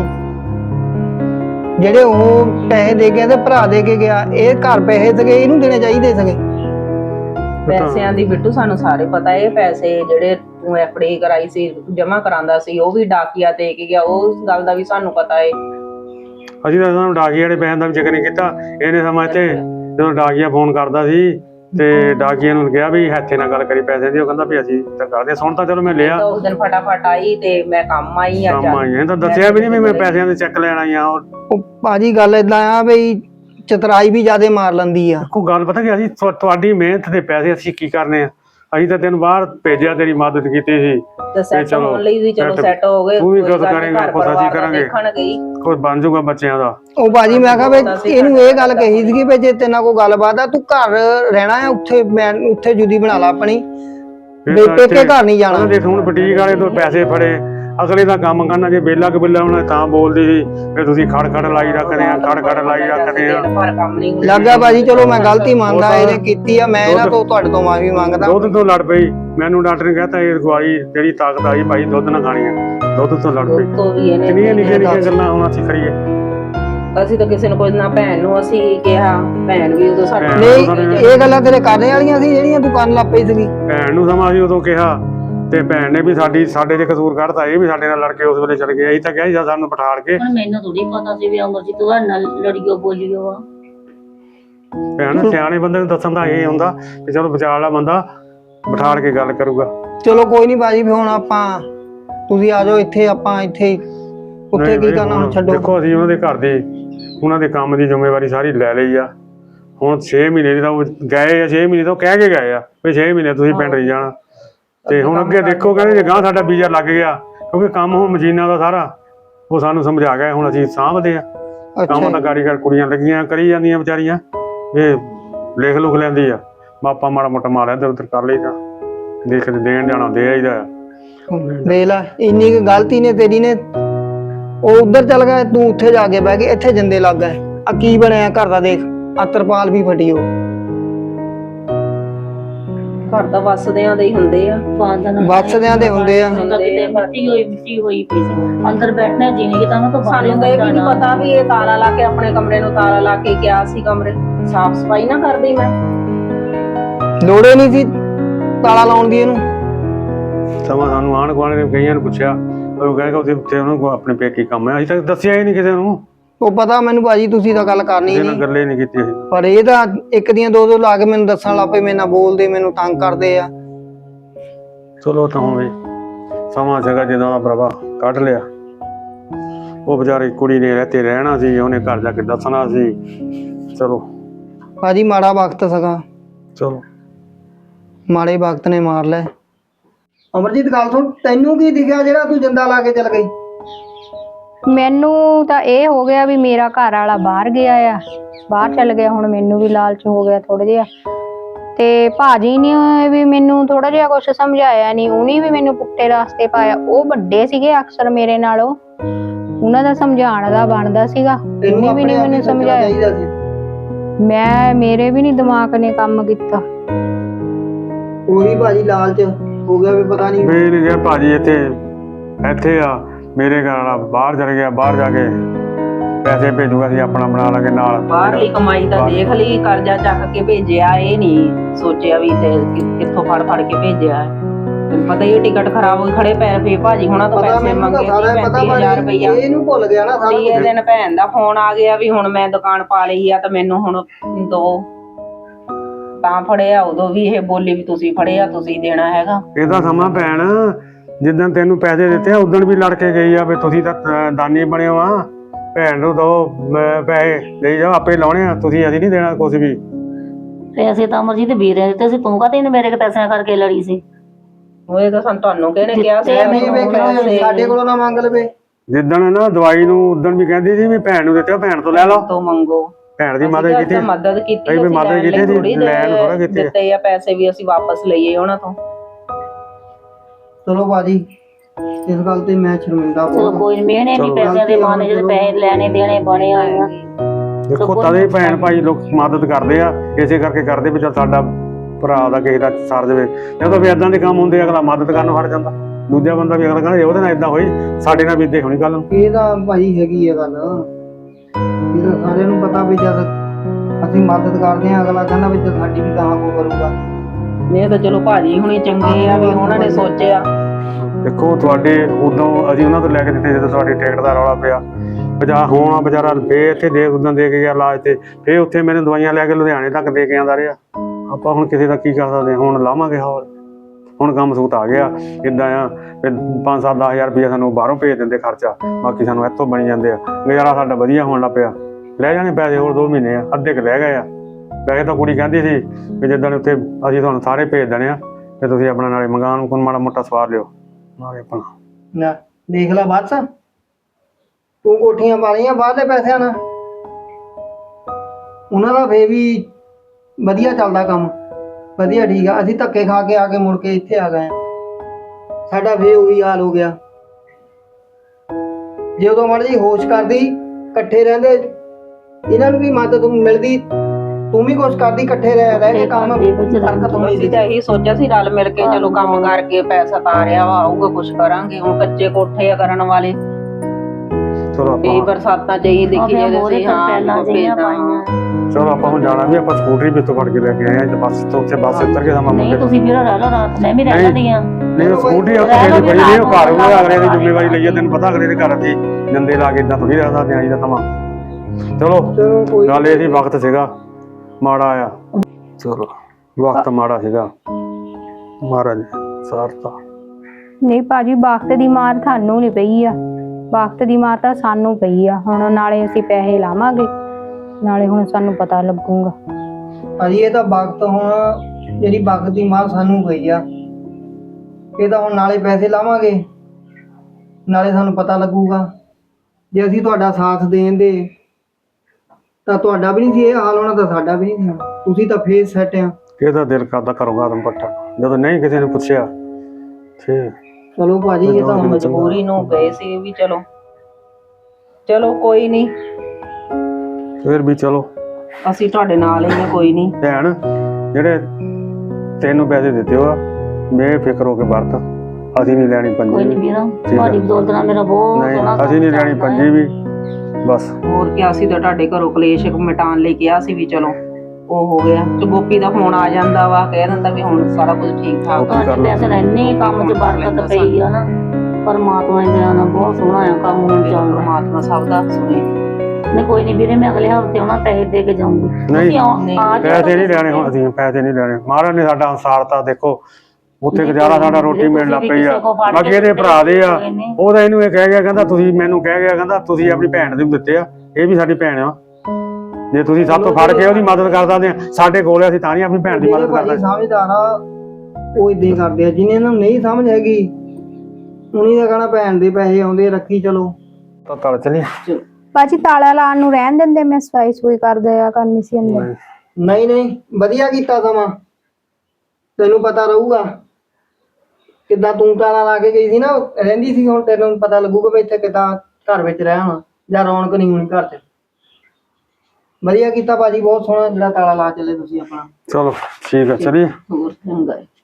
S4: ਜਿਹੜੇ ਉਹ ਪੈਸੇ ਦੇ ਗਿਆ ਤੇ ਭਰਾ ਦੇ ਕੇ ਗਿਆ। ਇਹ ਘਰ ਪੈਸੇ ਸੀਗੇ, ਇਹਨੂੰ ਦੇਣੇ ਚਾਹੀਦੇ ਸੀਗੇ।
S6: ਪੈਸਿਆਂ ਦੀ ਬਿੱਟੂ ਸਾਨੂੰ ਸਾਰੇ ਪਤਾ। ਇਹ ਪੈਸੇ ਜਿਹੜੇ ਤੂੰ ਐਫਡੀ ਕਰਾਈ ਸੀ, ਜਮਾ ਕਰਾਂਦਾ ਸੀ, ਉਹ ਵੀ ਡਾਕੀਆ ਦੇ ਕੇ ਗਿਆ। ਉਸ ਗੱਲ ਦਾ ਵੀ ਸਾਨੂੰ ਪਤਾ ਏ।
S3: ਅਸੀਂ ਤਾਂ ਸਾਨੂੰ ਡਾਕੀਆ ਦੇ ਪੈਸੇ ਦਾ ਵੀ ਜ਼ਿਕਰ ਨਹੀਂ ਕੀਤਾ। ਇਹਨੇ ਸਮਾਂ ਤੇ ਜਦੋਂ ਡਾਕੀਆ ਫੋਨ ਕਰਦਾ ਸੀ ਤੇ ਡਾਕੀਆ ਨੂੰ ਕਿਹਾ ਵੀ ਹੱਥੇ ਨਾਲ ਗੱਲ ਕਰੀ ਪੈਸੇ ਦੀ। ਉਹ ਕਹਿੰਦਾ ਵੀ ਅਸੀਂ ਤਾਂ ਕਰਦੇ। ਸੁਣ ਤਾਂ ਚਲੋ ਮੈਂ ਲਿਆ,
S6: ਤਾਂ ਉਸ ਦਿਨ ਫਟਾਫਟ ਆਈ ਤੇ ਮੈਂ ਕੰਮ ਆਈ ਆ।
S3: ਕੰਮ ਆਈ ਇਹ ਤਾਂ ਦੱਸਿਆ ਵੀ ਨਹੀਂ ਵੀ ਮੈਂ ਪੈਸਿਆਂ ਦੇ ਚੈੱਕ ਲੈਣ ਆਈ ਆ।
S4: ਉਹ ਭਾਜੀ ਗੱਲ ਏਦਾਂ ਆ ਵੀ ਚਤਰਾਈ ਵੀ ਜ਼ਿਆਦੇ ਮਾਰ ਲੈਂਦੀ ਆ।
S3: ਕੋਈ ਗੱਲ ਪਤਾ ਕਿ ਅਸੀਂ ਤੁਹਾ- ਤੁਹਾਡੀ ਮਿਹਨਤ ਦੇ ਪੈਸੇ ਅਸੀਂ ਕੀ ਕਰਨੇ ਆ। ਅਸੀਂ ਤਾਂ ਤੈਨੂੰ ਬਾਹਰ ਭੇਜਿਆ, ਤੇਰੀ ਮਦਦ ਕੀਤੀ ਸੀ।
S6: ਤੇ ਸੈੱਟ
S3: ਚਲੋ,
S6: ਹੋਣ ਲਈ ਵੀ ਚਲੋ
S3: set-
S6: ਸੈੱਟ ਹੋ ਗਏ।
S3: ਤੂੰ ਵੀ
S6: ਕੋਈ
S3: ਕੁਛ
S6: ਗੱਲ ਨੀ,
S3: ਕਰੇਂਗਾ,
S6: ਘਰ
S3: ਕੁਛ ਅਸੀਂ
S6: ਪਰਿਵਾਰ ਦਾ
S3: ਕਰਾਂਗੇ।
S6: ਦੇਖਣ ਗਈ।
S3: ਕੋਈ ਬਣ ਜਾਊਗਾ ਬੱਚਿਆਂ ਦਾ।
S4: ਉਹ ਭਾਜੀ ਮੈਂ ਕਿਹਾ ਵੀ ਇਹਨੂੰ ਇਹ ਗੱਲ ਕਹੀ ਸੀਗੀ ਵੀ ਜੇ ਤੇਰੇ ਨਾਲ ਕੋਈ ਗੱਲਬਾਤ ਆ, ਤੂੰ ਘਰ ਰਹਿਣਾ ਆ ਉੱਥੇ, ਮੈਂ ਉੱਥੇ ਜੁਦੀ ਬਣਾ ਲਾ ਆਪਣੀ,
S3: ਫਿਰ
S4: ਵੀ
S3: ਤਾਂ
S4: ਪੇਕੇ
S3: ਇੱਥੇ-
S4: ਘਰ ਨਹੀਂ ਜਾਣਾ।
S3: ਉਹਨਾਂ ਦੇਖ ਹੁਣ ਬੁਟੀਕ ਵਾਲੇ ਤੋਂ ਪੈਸੇ ਫੜੇ, ਅਗਲੇ ਦਾ ਕੰਮ ਕਰਨਾ। ਜੇ ਬੇਲਾ ਕਬਿਲਾ ਹੋਣਾ ਤਾਂ ਬੋਲਦੀ ਸੀ ਵੀ ਤੁਸੀਂ ਖੜ ਖੜ ਲਾਈ ਰੱਖਦੇ ਆ, ਖੜ ਖੜ ਲਾਈ ਰੱਖਦੇ ਆ।
S6: ਪਰ ਕੰਮ ਨਹੀਂ ਹੁੰਦਾ।
S4: ਲੱਗਾ ਭਾਜੀ, ਚਲੋ ਮੈਂ ਗਲਤੀ ਮੰਨਦਾ, ਇਹਨੇ ਕੀਤੀ ਆ। ਮੈਂ ਇਹਨਾਂ ਤੋਂ ਤੁਹਾਡੇ ਤੋਂ ਮਾਫੀ ਮੰਗਦਾ।
S3: ਦੁੱਧ ਤੋਂ ਲੜ ਪਈ। ਮੈਨੂੰ ਡਾਕਟਰ ਨੇ ਕਹਿਤਾ ਇਹ ਦਵਾਈ ਜਿਹੜੀ ਤਾਕਤ ਆਈ ਭਾਈ ਦੁੱਧ ਨਾ ਖਾਣੀ ਆ। ਦੁੱਧ ਤੋਂ ਲੜ ਪਈ।
S6: ਦੁੱਧ ਤੋਂ ਵੀ ਇਹਨੇ
S3: ਕਿੰਨੀਆਂ ਨਿੱਕੀਆਂ ਨਿੱਕੀਆਂ ਗੱਲਾਂ ਹੁਣ ਅਸੀਂ ਕਰੀਏ।
S6: ਅਸੀਂ ਤਾਂ ਕਿਸੇ ਨੂੰ ਕੁਝ ਨਾ, ਭੈਣ ਨੂੰ ਅਸੀਂ ਕਿਹਾ, ਭੈਣ ਵੀ ਉਦੋਂ ਸਾਡੇ
S3: ਭੈਣ
S4: ਨਹੀਂ ਇਹ ਗੱਲਾਂ ਤੇਰੇ ਕਰਨੇ ਵਾਲੀਆਂ ਸੀ ਜਿਹੜੀਆਂ ਤੂੰ ਕਰਨ ਲੱਗ ਪਈ ਸੀਗੀ।
S3: ਭੈਣ ਨੂੰ ਸਮਾਂ ਅਸੀਂ ਉਦੋਂ ਕਿਹਾ ਤੇ ਭੈਣ ਨੇ ਵੀ ਸਾਡੀ ਸਾਡੇ 'ਚ ਕਸੂਰ ਕੱਢਤਾ। ਇਹ ਵੀ ਸਾਡੇ ਨਾਲ ਲੜ ਕੇ ਉਸ ਵੇਲੇ ਚੜ ਗਏ। ਅਸੀਂ ਤਾਂ ਕਿਹਾ ਸੀ ਸਾਨੂੰ ਬਿਠਾੜ ਕੇ।
S2: ਹੁਣ ਮੈਨੂੰ ਥੋੜੀ ਪਤਾ ਸੀ ਵੀ ਅਮਰਜੀਤ ਤੁਹਾਡੇ ਨਾਲ ਲੜੀਓ ਬੋਲੀਓ ਆ।
S3: ਭੈਣ ਸਿਆਣੇ ਬੰਦੇ ਨੂੰ ਦੱਸਣ ਦਾ ਇਹ ਹੁੰਦਾ ਕਿ ਚਲੋ ਵਿਚਾਰ ਵਾਲਾ ਬੰਦਾ ਬਿਠਾੜ ਕੇ ਗੱਲ ਕਰੂਗਾ।
S4: ਚਲੋ ਕੋਈ ਨਹੀਂ ਬਾਜੀ, ਵੀ ਹੁਣ ਆਪਾਂ ਤੁਸੀਂ ਆ ਜਾਓ ਇੱਥੇ, ਆਪਾਂ ਇੱਥੇ ਉੱਥੇ ਕੀ ਕਰਨਾ ਹੁਣ ਛੱਡੋ।
S3: ਦੇਖੋ ਅਸੀਂ ਉਹਨਾਂ ਦੇ ਘਰ ਦੀ, ਉਹਨਾਂ ਦੇ ਕੰਮ ਦੀ ਜ਼ਿੰਮੇਵਾਰੀ ਸਾਰੀ ਲੈ ਲਈ ਆ। ਹੁਣ ਛੇ ਮਹੀਨੇ ਦੀ ਤਾਂ ਉਹ ਗਏ ਆ, ਛੇ ਮਹੀਨੇ ਤੋਂ ਕਹਿ ਕੇ ਗਏ ਆ ਵੀ ਛੇ ਮਹੀਨੇ ਤੁਸੀਂ ਪਿੰਡ ਨਹੀਂ ਜਾਣਾ। ਤੇ ਹੁਣ ਅੱਗੇ ਦੇਖੋ, ਕਹਿੰਦੇ ਜੇ ਗਾਂ ਸਾਡਾ ਵੀਜ਼ਾ ਲੱਗ ਗਿਆ, ਕਿਉਂਕਿ ਕੰਮ ਹੁਣ ਮਸ਼ੀਨਾਂ ਦਾ ਸਾਰਾ ਉਹ ਸਾਨੂੰ ਸਮਝਾ ਗਏ। ਹੁਣ ਅਸੀਂ ਸਾਂਭਦੇ ਆ ਕੰਮ ਦਾ। ਕਾਰੀਗਰ ਕੁੜੀਆਂ ਲੱਗੀਆਂ ਕਰੀ ਜਾਂਦੀਆਂ ਵਿਚਾਰੀਆਂ, ਇਹ ਲਿਖ ਲੁਖ ਲੈਂਦੀ ਆ। ਮਾਪਾ ਮਾੜਾ ਮੋਟਾ ਮਾਰਿਆ ਇੱਧਰ ਉੱਧਰ ਕਰ ਲਈ ਤਾਂ ਦੇਖ ਦੇਣ ਜਾਣਾ ਦੇ ਆਈਦਾ ਆ।
S4: ਦੇਖ ਲੈ, ਇੰਨੀ ਕੁ ਗਲਤੀ ਨੇ ਤੇਰੀ ਨੇ। ਉਹ ਉੱਧਰ ਚੱਲ ਗਿਆ, ਤੂੰ ਉੱਥੇ ਜਾ ਕੇ ਬਹਿ ਗਈ, ਇੱਥੇ ਜਿੰਦੇ ਲੱਗ ਗਏ। ਆ ਕੀ ਬਣਿਆ ਘਰ ਦਾ, ਦੇਖ ਆ ਤਰਪਾਲ ਵੀ ਫਟੀ। ਉਹ
S6: ਘਰ ਦਾ ਵਸਦਿਆਂ ਦੇ ਹੀ ਹੁੰਦੇ ਆ।
S4: ਵਸਦਿਆਂ ਦੇ ਹੁੰਦੇ ਆ।
S2: ਤਾਂ ਕਿਤੇ ਮਿੱਟੀ ਹੋਈ ਮਿੱਟੀ ਹੋਈ ਪਈ ਸੀ। ਅੰਦਰ ਬੈਠਣਾ ਜੀ ਨਹੀਂ ਕੀਤਾ, ਮੈਂ ਤਾਂ ਬਾਹਰ
S6: ਸਾਨੂੰ ਤਾਂ ਇਹ ਵੀ ਨਹੀਂ ਪਤਾ ਵੀ ਇਹ ਤਾਲਾ ਲਾ ਕੇ ਆਪਣੇ ਕਮਰੇ ਨੂੰ ਤਾਲਾ ਲਾ ਕੇ ਗਿਆ ਸੀ। ਕਮਰੇ ਸਾਫ ਸਫਾਈ ਨਾ ਕਰਦੀ ਮੈਂ।
S4: ਲੋੜੇ ਨਹੀਂ ਸੀ ਤਾਲਾ ਲਾਉਣ ਦੀ ਇਹਨੂੰ।
S3: ਸਮਾਂ ਸਾਨੂੰ ਆਣ ਗੁਆਂਢ ਨੇ ਕਈਆਂ ਨੂੰ ਪੁੱਛਿਆ ਉਹ ਕਹੇਗਾ ਉਹਦੇ ਉੱਤੇ ਉਹਨੂੰ ਕੋਈ ਆਪਣੇ ਪੇਕੀ ਕੰਮ ਹੈ, ਅਸੀਂ ਤਾਂ ਦੱਸਿਆ ਹੀ ਨਹੀਂ ਕਿਸੇ ਨੂੰ,
S4: ਉਹ ਪਤਾ ਮੈਨੂੰ ਭਾਜੀ, ਤੁਸੀਂ ਤਾਂ ਗੱਲ ਕਰਨੀ
S3: ਕਿਸੇ ਨਾਲ
S4: ਨਹੀਂ,
S3: ਗੱਲੇ ਨਹੀਂ ਕੀਤੀ ਅਸੀਂ।
S4: ਪਰ ਇਹ ਤਾਂ ਇੱਕ ਦੀਆਂ ਦੋ ਦੋ ਲਾ ਕੇ ਮੈਨੂੰ ਦੱਸਣ ਲੱਗ ਪਏ, ਮੇਰੇ ਨਾਲ ਬੋਲਦੇ, ਮੈਨੂੰ ਤੰਗ ਕਰਦੇ ਆ।
S3: ਚਲੋ ਤਾਂ ਹੁਣ ਵੀ ਸਮਾਂ ਸੀਗਾ ਜਦੋਂ ਦਾ ਪ੍ਰਭਾ ਕੱਢ ਲਿਆ। ਉਹ ਵਿਚਾਰੀ ਕੁੜੀ ਨੇ ਰਹਿਤੇ ਰਹਿਣਾ ਸੀ, ਉਹਨੇ ਘਰ ਜਾ ਕੇ ਦੱਸਣਾ ਸੀ। ਚਲੋ
S4: ਭਾਜੀ ਮਾੜਾ ਵਕਤ ਸੀਗਾ,
S3: ਚਲੋ
S4: ਮਾੜੇ ਵਕਤ ਨੇ ਮਾਰ ਲੈ। ਅਮਰਜੀਤ ਗੱਲ ਸੁਣ, ਤੈਨੂੰ ਕੀ ਦਿਖਿਆ ਜਿਹੜਾ ਤੂੰ ਜਿੰਦਾ ਲਾ ਕੇ ਚਲ ਗਈ?
S1: ਮੈਨੂੰ ਤਾਂ ਇਹ ਹੋ ਗਿਆ ਵੀ ਮੇਰਾ ਘਰ ਵਾਲਾ ਬਾਹਰ ਗਿਆ ਆ, ਬਾਹਰ ਚੱਲ ਗਿਆ। ਹੁਣ ਮੈਨੂੰ ਵੀ ਲਾਲਚ ਹੋ ਗਿਆ ਥੋੜਾ ਜਿਹਾ, ਤੇ ਭਾਜੀ ਨੇ ਵੀ ਮੈਨੂੰ ਥੋੜਾ ਜਿਹਾ ਕੁਛ ਸਮਝਾਇਆ ਨਹੀਂ, ਉਹਨੇ ਵੀ ਮੈਨੂੰ ਪੁੱਠੇ ਰਾਸਤੇ ਪਾਇਆ। ਉਹ ਵੱਡੇ ਸੀਗੇ ਅਕਸਰ ਮੇਰੇ ਨਾਲੋਂ, ਉਹਨਾਂ ਦਾ ਸਮਝਾਉਣ ਦਾ ਬਣਦਾ ਸੀਗਾ, ਉਹਨੇ ਵੀ ਨਹੀਂ ਮੈਨੂੰ ਸਮਝਾਇਆ। ਮੈਂ ਮੇਰੇ ਵੀ ਨਹੀਂ ਦਿਮਾਗ ਨੇ ਕੰਮ ਕੀਤਾ।
S4: ਉਹੀ ਭਾਜੀ ਲਾਲਚ ਹੋ ਗਿਆ ਵੀ ਪਤਾ ਨਹੀਂ।
S3: ਵੀ ਨਹੀਂ ਗਿਆ ਭਾਜੀ ਇੱਥੇ ਇੱਥੇ ਆ, ਮੇਰੇ ਘਰ ਵਾਲਾ ਬਾਹਰ ਚਲ ਗਿਆ, ਬਾਹਰ ਜਾ ਕੇ ਪੈਸੇ ਭੇਜੂਗਾ, ਅਸੀਂ ਆਪਣਾ ਬਣਾ ਲਾਂਗੇ ਨਾਲ।
S6: ਬਾਹਰਲੀ ਕਮਾਈ ਤਾਂ ਦੇਖ ਲਈ, ਕਰਜ਼ਾ ਚੱਕ ਕੇ ਭੇਜਿਆ, ਇਹ ਨਹੀਂ ਸੋਚਿਆ ਵੀ ਤੇ ਕਿ- ਕਿੱਥੋਂ ਫੜ ਫੜ ਕੇ ਭੇਜਿਆ। ਤੈਨੂੰ ਪਤਾ ਹੀ ਟਿਕਟ ਖਰਾਬ ਹੋ ਗਈ, ਖੜੇ ਪੈਰ ਫੇ ਭਾਜੀ ਹੁਣਾਂ ਤੋਂ
S4: ਪਤਾ
S6: ਪੈਸੇ
S4: ਮੈਨੂੰ ਤਾਂ
S6: ਮੰਗੇ
S4: ਸਾਰਾ
S6: ਤੀਹ
S4: ਪਤਾ
S6: ਪੈਂਤੀ ਹਜ਼ਾਰ ਰੁਪਈਆ।
S4: ਇਹਨੂੰ ਭੁੱਲ ਗਿਆ ਨਾ ਸਾਰਾ
S6: ਤੀਏ
S4: ਕੁਝ।
S6: ਦਿਨ ਭੈਣ ਦਾ ਫੋਨ ਆ ਗਿਆ ਵੀ ਹੁਣ ਮੈਂ ਦੁਕਾਨ ਪਾ ਲਈ ਆ, ਤਾਂ ਮੈਨੂੰ ਹੁਣ ਦੋ ਤਾਂ ਫੜਿਆ, ਉਦੋਂ ਵੀ ਇਹ ਬੋਲੀ ਵੀ ਤੁਸੀਂ ਫੜਿਆ, ਤੁਸੀਂ ਦੇਣਾ ਹੈਗਾ।
S3: ਇਹਦਾ ਸਮਾਂ ਭੈਣ, ਜਿੱਦਣ ਤੈਨੂੰ ਪੈਸੇ ਦਿੱਤੇ ਆ ਉਦੋਂ ਵੀ ਲੜ ਕੇ ਗਈ ਆ ਵੀ ਤੁਸੀਂ ਤਾਂ ਅਹ, ਦਾਨੀ ਬਣੇ ਹੋ ਆ, ਭੈਣ ਨੂੰ ਦੋ ਮੈਂ ਪੈਸੇ ਲਈ ਜਾਓ, ਆਪੇ ਲਾਉਣੇ ਆ, ਤੁਸੀਂ ਅਸੀਂ ਨਹੀਂ ਦੇਣਾ ਕੁਝ ਵੀ।
S2: ਪੈਸੇ ਤਾਂ ਅਮਰਜੀਤ ਵੀਰੇ ਦਿੱਤੇ ਸੀ, ਤੂੰ ਕਾਹਤੇ ਮੇਰੇ ਕੇ ਪੈਸਿਆਂ ਕਰਕੇ ਲੜੀ ਸੀ?
S6: ਉਹ ਇਹ ਤਾਂ ਸਾਨੂੰ ਤੁਹਾਨੂੰ ਕਿਹਨੇ ਕਿਹਾ ਸੀ
S4: ਐਵੇਂ ਹੀ ਵੇਖਣਾ ਸਾਡੇ ਕੋਲੋਂ ਨਾ ਮੰਗ ਲਵੇ।
S3: ਜਿੱਦਣ ਨਾ ਦਵਾਈ ਨੂੰ ਉਦੋਂ ਵੀ ਕਹਿੰਦੀ ਸੀ ਵੀ ਭੈਣ ਨੂੰ ਦਿੱਤੇ, ਭੈਣ ਤੋਂ ਲੈ ਲਓ,
S6: ਤੋਂ ਮੰਗੋ।
S3: ਭੈਣ ਦੀ
S6: ਅਸੀਂ
S3: ਮਦਦ
S6: ਤਾਂ
S3: ਕੀਤੀ।
S6: ਮਦਦ ਕੀਤੀ,
S3: ਅਸੀਂ ਵੀ
S6: ਅਸੀਂ
S3: ਮਦਦ
S6: ਲੈਣ ਲਈ
S3: ਕੀਤੀ ਸੀ,
S6: ਥੋੜ੍ਹੀ ਦੇ-
S3: ਲੈਣ ਥੋੜ੍ਹਾ ਕੀਤੀ ਆ।
S6: ਦਿੱਤੇ ਆ ਪੈਸੇ ਵੀ ਅਸੀਂ ਵਾਪਸ ਲਈਏ ਉਹਨਾਂ ਤੋਂ।
S4: ਚਲੋ ਭਾਜੀ ਇਸ ਗੱਲ ਤੇ ਮੈਂ ਸ਼ਰਮਿੰਦਾ
S2: ਚਲੋ
S4: ਬਹੁਤ।
S2: ਕੋਈ ਮਿਹਣੇ ਨਹੀਂ ਪੈਸਿਆਂ ਦੇ ਮਾਨੇ, ਜਿਹੜੇ ਪੈਸੇ ਲੈਣੇ ਦੇਣੇ ਬਣੇ ਆਏ ਆ।
S3: ਦੇਖੋ ਤਦੇ ਭੈਣ ਭਾਈ ਲੋਕ ਮਦਦ ਕਰਦੇ ਆ, ਇਸੇ ਕਰਕੇ ਕਰਦੇ ਵੀ ਚੱਲ ਸਾਡਾ ਭਰਾ ਦਾ ਕਿਸੇ ਦਾ ਸਰ ਜਾਵੇ। ਜਦੋਂ ਵੀ ਏਦਾਂ ਦੇ ਕੰਮ ਹੁੰਦੇ ਅਗਲਾ ਮਦਦ ਕਰਨ ਹਟ ਜਾਂਦਾ, ਦੂਜਾ ਬੰਦਾ ਵੀ ਅਗਲਾ ਕਹਿੰਦਾ ਉਹਦੇ ਨਾਲ ਏਦਾਂ ਹੋਈ, ਸਾਡੇ ਨਾਲ ਵੀ ਏਦਾਂ ਹੋਣੀ ਗੱਲ ਨੂੰ।
S4: ਇਹ ਤਾਂ ਭਾਈ ਹੈਗੀ ਆ ਗੱਲ, ਇਹ ਤਾਂ ਸਾਰਿਆਂ ਨੂੰ ਪਤਾ ਵੀ ਜਦ ਅਸੀਂ ਮਦਦ ਕਰਦੇ ਆ, ਅਗਲਾ ਕਹਿੰਦਾ ਵੀ ਜਦ ਸਾਡੀ ਵੀ ਗਾਹਾਂ ਕੋ ਕਰੂਗਾ।
S6: ਇਹ ਤਾਂ ਚਲੋ ਭਾਜੀ ਹੁਣੀ ਚੰਗੇ ਆ ਵੀ ਉਹਨਾਂ ਨੇ ਸੋਚਿਆ।
S3: ਦੇਖੋ ਤੁਹਾਡੇ ਉਦੋਂ ਅਸੀਂ ਉਹਨਾਂ ਤੋਂ ਲੈ ਕੇ ਦਿੱਤੇ, ਜਦੋਂ ਤੁਹਾਡੀ ਟਿਕਟ ਦਾ ਰੌਲਾ ਪਿਆ ਬਜਾ ਹੋਣਾ ਵਿਚਾਰਾ ਫੇਰ ਇੱਥੇ ਦੇ ਉਦੋਂ ਦੇ ਕੇ ਗਿਆ ਇਲਾਜ ਤੇ, ਫੇਰ ਉੱਥੇ ਮੈਨੂੰ ਦਵਾਈਆਂ ਲੈ ਕੇ ਲੁਧਿਆਣੇ ਤੱਕ ਦੇ ਕੇ ਆਉਂਦਾ ਰਿਹਾ। ਆਪਾਂ ਹੁਣ ਕਿਸੇ ਦਾ ਕੀ ਕਰ ਸਕਦੇ ਹਾਂ, ਹੁਣ ਲਾਵਾਂਗੇ ਹੌਲ। ਹੁਣ ਕੰਮ ਸੂਤ ਆ ਗਿਆ ਇਦਾਂ ਆ, ਫਿਰ ਪੰਜ ਸੱਤ ਦਸ ਹਜ਼ਾਰ ਰੁਪਇਆ ਸਾਨੂੰ ਬਾਹਰੋਂ ਭੇਜ ਦਿੰਦੇ ਖਰਚਾ, ਬਾਕੀ ਸਾਨੂੰ ਇੱਥੋਂ ਬਣੀ ਜਾਂਦੇ ਆ। ਗੁਜ਼ਾਰਾ ਸਾਡਾ ਵਧੀਆ ਹੋਣ ਲੱਗ ਪਿਆ। ਲੈ ਜਾਣੇ ਪੈਸੇ ਹੋਰ ਦੋ ਮਹੀਨੇ ਆ, ਅੱਧੇ ਕੁ ਰਹਿ ਗਏ ਆ। ਵੈਸੇ ਤਾਂ ਕੁੜੀ ਕਹਿੰਦੀ ਸੀ ਵੀ ਜਿੱਦਣ ਉੱਥੇ ਅਸੀਂ ਤੁਹਾਨੂੰ ਸਾਰੇ ਭੇਜ ਦੇਣੇ ਆ, ਤੇ ਤੁਸੀਂ ਆਪਣਾ ਨਾਲੇ ਮਕਾਨ ਕੋਲ ਮਾੜਾ ਮੋਟਾ ਸਵਾਰ ਲਿਓ ਨਾਲੇ ਆਪਣਾ।
S4: ਨਾ ਦੇਖ ਲੈ ਬਸ, ਤੂੰ ਕੋਠੀਆਂ ਪਾ ਲਈਆਂ ਬਾਹਰਲੇ ਪੈਸਿਆਂ ਨਾਲ, ਉਹਨਾਂ ਦਾ ਫੇਰ ਵੀ ਵਧੀਆ ਚੱਲਦਾ ਕੰਮ, ਵਧੀਆ ਠੀਕ ਆ। ਅਸੀਂ ਧੱਕੇ ਖਾ ਕੇ ਆ ਕੇ ਮੁੜ ਕੇ ਇੱਥੇ ਆ ਗਏ, ਸਾਡਾ ਫੇਰ ਉਹੀ ਹਾਲ ਹੋ ਗਿਆ। ਜੇ ਉਦੋਂ ਮਾੜੀ ਜਿਹੀ ਹੋਸ਼ ਕਰਦੀ, ਇਕੱਠੇ ਰਹਿੰਦੇ, ਇਹਨਾਂ ਨੂੰ ਵੀ ਮਦਦ ਮਿਲਦੀ, ਤੂੰ ਵੀ ਕੁਛ ਕਰਦੀ, ਇਕੱਠੇ ਰਹਿ ਰਹਿ ਕੇ ਕੰਮ ਬਰਕਤ ਹੋਣੀ
S6: ਅਸੀਂ
S4: ਸੀ।
S6: ਤਾਂ ਇਹੀ ਸੋਚਿਆ ਸੀ ਰਲ ਮਿਲ ਕੇ ਚਲੋ ਕੰਮ ਕਰਕੇ ਪੈਸਾ ਤਾਰਿਆ ਵਾ, ਆਊਗਾ ਕੁਛ ਕਰਾਂਗੇ। ਹੁਣ ਕੱਚੇ ਕੋਠੇ ਆ ਕਰਨ ਵਾਲੇ,
S3: ਚਲੋ
S6: ਕਈ
S3: ਆਪਾਂ
S6: ਬਰਸਾਤਾਂ ਚ ਇਹੀ ਦੇਖੀ ਜਾਂਦੇ ਸੀ। ਹਾਂ
S2: ਪਹਿਲਾਂ ਜਿਹੀਆਂ ਪਾਈਆਂ।
S3: ਚਲੋ ਆਪਾਂ ਹੁਣ ਜਾਣਾ ਵੀ, ਆਪਾਂ ਸਕੂਟਰੀ ਵੀ ਇੱਥੋਂ ਫੜ ਕੇ ਲੈ ਕੇ ਆਏ ਆ, ਤੇ ਬੱਸ ਤੋਂ ਉੱਥੇ ਬੱਸ ਉੱਤਰ ਕੇ ਸਮਾਂ
S2: ਨਹੀਂ
S3: ਮੁੰਡੇ
S2: ਤੁਸੀਂ ਵੀਰੋ ਰਹਿ ਲਓ ਰਾਤ, ਮੈਂ ਵੀ ਰਹਿ ਜਾਂਦੀ ਆ।
S3: ਨਹੀਂ ਉਹ ਸਕੂਟਰੀ ਉੱਥੇ ਜਿਹੜੀ ਬੜੀ ਨਹੀਂ, ਉਹ ਘਰ ਉਹ ਅਗਲੇ ਦੀ ਜ਼ਿੰਮੇਵਾਰੀ ਲਈ ਆ, ਤੈਨੂੰ ਪਤਾ ਅਗਲੇ ਦੇ ਘਰ ਅਸੀਂ ਜੰਦੇ ਲਾ ਕੇ ਇਦਾਂ ਥੋੜੀ ਰਹਿ ਸਕਦੇ ਆ ਜੀ ਦਾ ਸਮਾਂ। ਚਲੋ
S4: ਚਲੋ ਕੋਈ
S3: ਗੱਲ ਇਹ ਸੀ, ਵਕਤ ਸੀਗਾ ਮਾੜਾ ਆ, ਚਲੋ ਵਕਤ ਮਾੜਾ ਸੀਗਾ, ਮਹਾਰਾਜ ਸਾਰਤਾ।
S1: ਨਹੀਂ ਭਾਜੀ, ਵਕਤ ਦੀ ਮਾਰ ਤੁਹਾਨੂੰ ਨਹੀਂ ਪਈ ਆ, ਵਕਤ ਦੀ ਮਾਰ ਤਾਂ ਸਾਨੂੰ ਪਈ ਆ। ਹੁਣ ਨਾਲੇ ਅਸੀਂ ਪੈਸੇ ਲਾਵਾਂਗੇ, ਨਾਲੇ ਹੁਣ ਸਾਨੂੰ ਪਤਾ ਲੱਗੂਗਾ।
S4: ਭਾਜੀ ਇਹ ਤਾਂ ਵਕਤ ਹੁਣ, ਜਿਹੜੀ ਵਕਤ ਦੀ ਮਾਰ ਸਾਨੂੰ ਪਈ ਆ, ਇਹ ਤਾਂ ਹੁਣ ਨਾਲੇ ਪੈਸੇ ਲਾਵਾਂਗੇ, ਨਾਲੇ ਸਾਨੂੰ ਪਤਾ ਲੱਗੂਗਾ। ਜੇ ਅਸੀਂ ਤੁਹਾਡਾ ਸਾਥ ਦੇਣ ਦੇ ਤਾਂ ਤੁਹਾਡਾ ਵੀ ਨਹੀਂ ਸੀ ਇਹ ਹਾਲ ਹੋਣਾ, ਤਾਂ ਸਾਡਾ ਵੀ ਨਹੀਂ ਸੀ ਹੋਣਾ। ਤੁਸੀਂ ਤਾਂ ਫੇਰ ਸੈੱਟ ਆ।
S3: ਇਹਦਾ ਦਿਲ ਕਰਦਾ ਘਰੋਂ ਆਦਮ ਪੱਟਾ, ਜਦੋਂ ਨਹੀਂ ਕਿਸੇ ਨੇ ਪੁੱਛਿਆ। ਠੀਕ
S4: ਚਲੋ ਭਾਜੀ ਇਹ ਤਾਂ ਹੁਣ
S6: ਮਜਬੂਰੀ ਨੂੰ ਗਏ ਸੀ ਵੀ ਚਲੋ ਚਲੋ ਕੋਈ ਨਹੀਂ,
S3: ਫਿਰ ਵੀ ਚਲੋ
S6: ਅਸੀਂ ਤੁਹਾਡੇ ਨਾਲ ਹੀ ਆ, ਕੋਈ ਨਹੀਂ।
S3: ਭੈਣ ਜਿਹੜੇ ਤੈਨੂੰ ਪੈਸੇ ਦਿੱਤੇ ਹੋ, ਬੇਫਿਕਰ ਹੋ ਕੇ ਵਰਤ, ਅਸੀਂ ਨਹੀਂ ਲੈਣੀ
S2: ਕੋਈ
S3: ਪੰਜੀ
S2: ਨਹੀਂ
S3: ਵੀ।
S2: ਵੀਰੋ, ਤੁਹਾਡੀ ਬਦੌਲਤ ਨਾਲ ਮੇਰਾ ਬਹੁਤ
S3: ਨਹੀਂ
S2: ਸੋਹਣਾ
S3: ਅਸੀਂ ਨਹੀਂ ਲੈਣੀ ਪੰਜੀ ਵੀ, ਬਸ।
S6: ਹੋਰ ਕੀ, ਅਸੀਂ ਤਾਂ ਤੁਹਾਡੇ ਘਰੋਂ ਕਲੇਸ਼ ਮਿਟਾਉਣ ਲਈ ਕਿਹਾ ਸੀ ਵੀ ਚਲੋ ਉਹ ਹੋ ਗਿਆ। ਤੇ ਗੋਪੀ ਦਾ ਫੋਨ ਆ ਜਾਂਦਾ ਵਾ, ਕਹਿ ਦਿੰਦਾ ਵੀ ਹੁਣ ਸਾਰਾ ਕੁਝ ਠੀਕ ਠਾਕ ਆ।
S2: ਤੁਹਾਡੇ ਪੈਸੇ ਲੈਣੇ ਕੰਮ ਚ ਬਰਕਤ ਪਈ ਆ ਨਾ। ਪਰਮਾਤਮਾ ਦੀ ਦਇਆ ਨਾਲ ਬਹੁਤ ਸੋਹਣਾ ਆ ਕੰਮ ਹੁਣ ਚੱਲਦਾ।
S6: ਪਰਮਾਤਮਾ ਸਭ ਦਾ ਸੁਣੇ।
S2: ਨਹੀਂ ਕੋਈ ਨਹੀਂ ਵੀਰੇ, ਮੈਂ ਅਗਲੇ ਹਫ਼ਤੇ ਉਹਨਾਂ ਪੈਸੇ ਦੇ ਕੇ ਜਾਊਂਗੀ।
S3: ਨਹੀਂ
S2: ਤੁਸੀਂ ਆ- ਆ ਜਾਓ।
S3: ਪੈਸੇ ਨਹੀਂ ਲੈਣੇ ਹੁਣ, ਅਸੀਂ ਪੈਸੇ ਨਹੀਂ ਲੈਣੇ। ਮਹਾਰਾਜ ਨੇ ਸਾਡਾ ਅਨਸਾਰਤਾ ਦੇਖੋ, ਉੱਥੇ ਗੁਜ਼ਾਰਾ ਸਾਡਾ ਰੋਟੀ ਮਿਲਣ ਲੱਗ ਪਈ ਆ। ਬਾਕੀ ਇਹਦੇ ਭਰਾ ਦੇ ਆ, ਉਹਦਾ ਇਹਨੂੰ ਇਹ ਕਹਿ ਗਿਆ, ਕਹਿੰਦਾ ਤੁਸੀਂ ਮੈਨੂੰ ਕਹਿ ਗਿਆ, ਕਹਿੰਦਾ ਤੁਸੀਂ ਆਪਣੀ ਭੈਣ ਨੂੰ ਦਿੱਤੇ ਆ, ਇਹ ਵੀ ਸਾਡੀ ਭੈਣ ਆ। ਜੇ ਤੁਸੀਂ ਸਭ ਤੋਂ ਫੜ ਕੇ ਉਹਦੀ ਮਦਦ ਕਰ ਸਕਦੇ ਆ, ਸਾਡੇ ਕੋਲ ਅਸੀਂ ਤਾਂ ਨਹੀਂ ਆਪਣੀ ਭੈਣ ਦੀ ਮਦਦ ਕਰਦੇ।
S4: ਸਮਝਦਾਰ ਆ ਉਹ ਇਦਾਂ ਹੀ ਕਰਦੇ ਆ, ਜਿਹਨੇ ਇਹਨਾਂ ਨੂੰ ਨਹੀਂ ਸਮਝ ਹੈਗੀ ਉਹਨੀ ਦਾ ਕਹਣਾ ਭੈਣ ਦੇ ਪੈਸੇ ਆਉਂਦੇ ਰੱਖੀ ਚਲੋ।
S3: ਤਾਂ ਤਲ ਚਲੀਏ।
S1: ਬਾਜੀ ਤਾਲਾ ਲਾਉਣ ਨੂੰ ਰਹਿਣ ਦਿੰਦੇ, ਮੈਂ ਸਫਾਈ ਸਫੂਈ ਕਰ ਦਿਆ ਕਰਨੀ ਸੀ ਅੰਦਰ।
S4: ਨਹੀਂ ਨਹੀਂ ਵਧੀਆ ਕੀਤਾ ਸਮਾਂ, ਤੈਨੂੰ ਪਤਾ ਰਹੂਗਾ ਕਿੱਦਾਂ ਤੂੰ ਤਾਲਾ ਲਾ ਕੇ ਗਈ ਸੀ ਨਾ ਰਹਿੰਦੀ ਸੀ। ਹੁਣ ਤੈਨੂੰ ਪਤਾ ਲੱਗੂਗਾ ਵੀ ਇੱਥੇ ਕਿੱਦਾਂ ਘਰ ਵਿੱਚ ਰਹਿਣਾ ਜਾਂ ਰੌਣਕ ਨਹੀਂ ਹੋਣੀ ਘਰ 'ਚ। ਵਧੀਆ ਕੀਤਾ ਭਾਜੀ, ਬਹੁਤ ਸੋਹਣਾ ਜਿਹੜਾ ਤਾਲਾ ਲਾ ਚੱਲੇ ਤੁਸੀਂ ਆਪਣਾ।
S3: ਚਲੋ ਠੀਕ ਹੈ, ਚਲੀਏ।
S6: ਹੋਰ ਚੰਗਾ ਹੈ।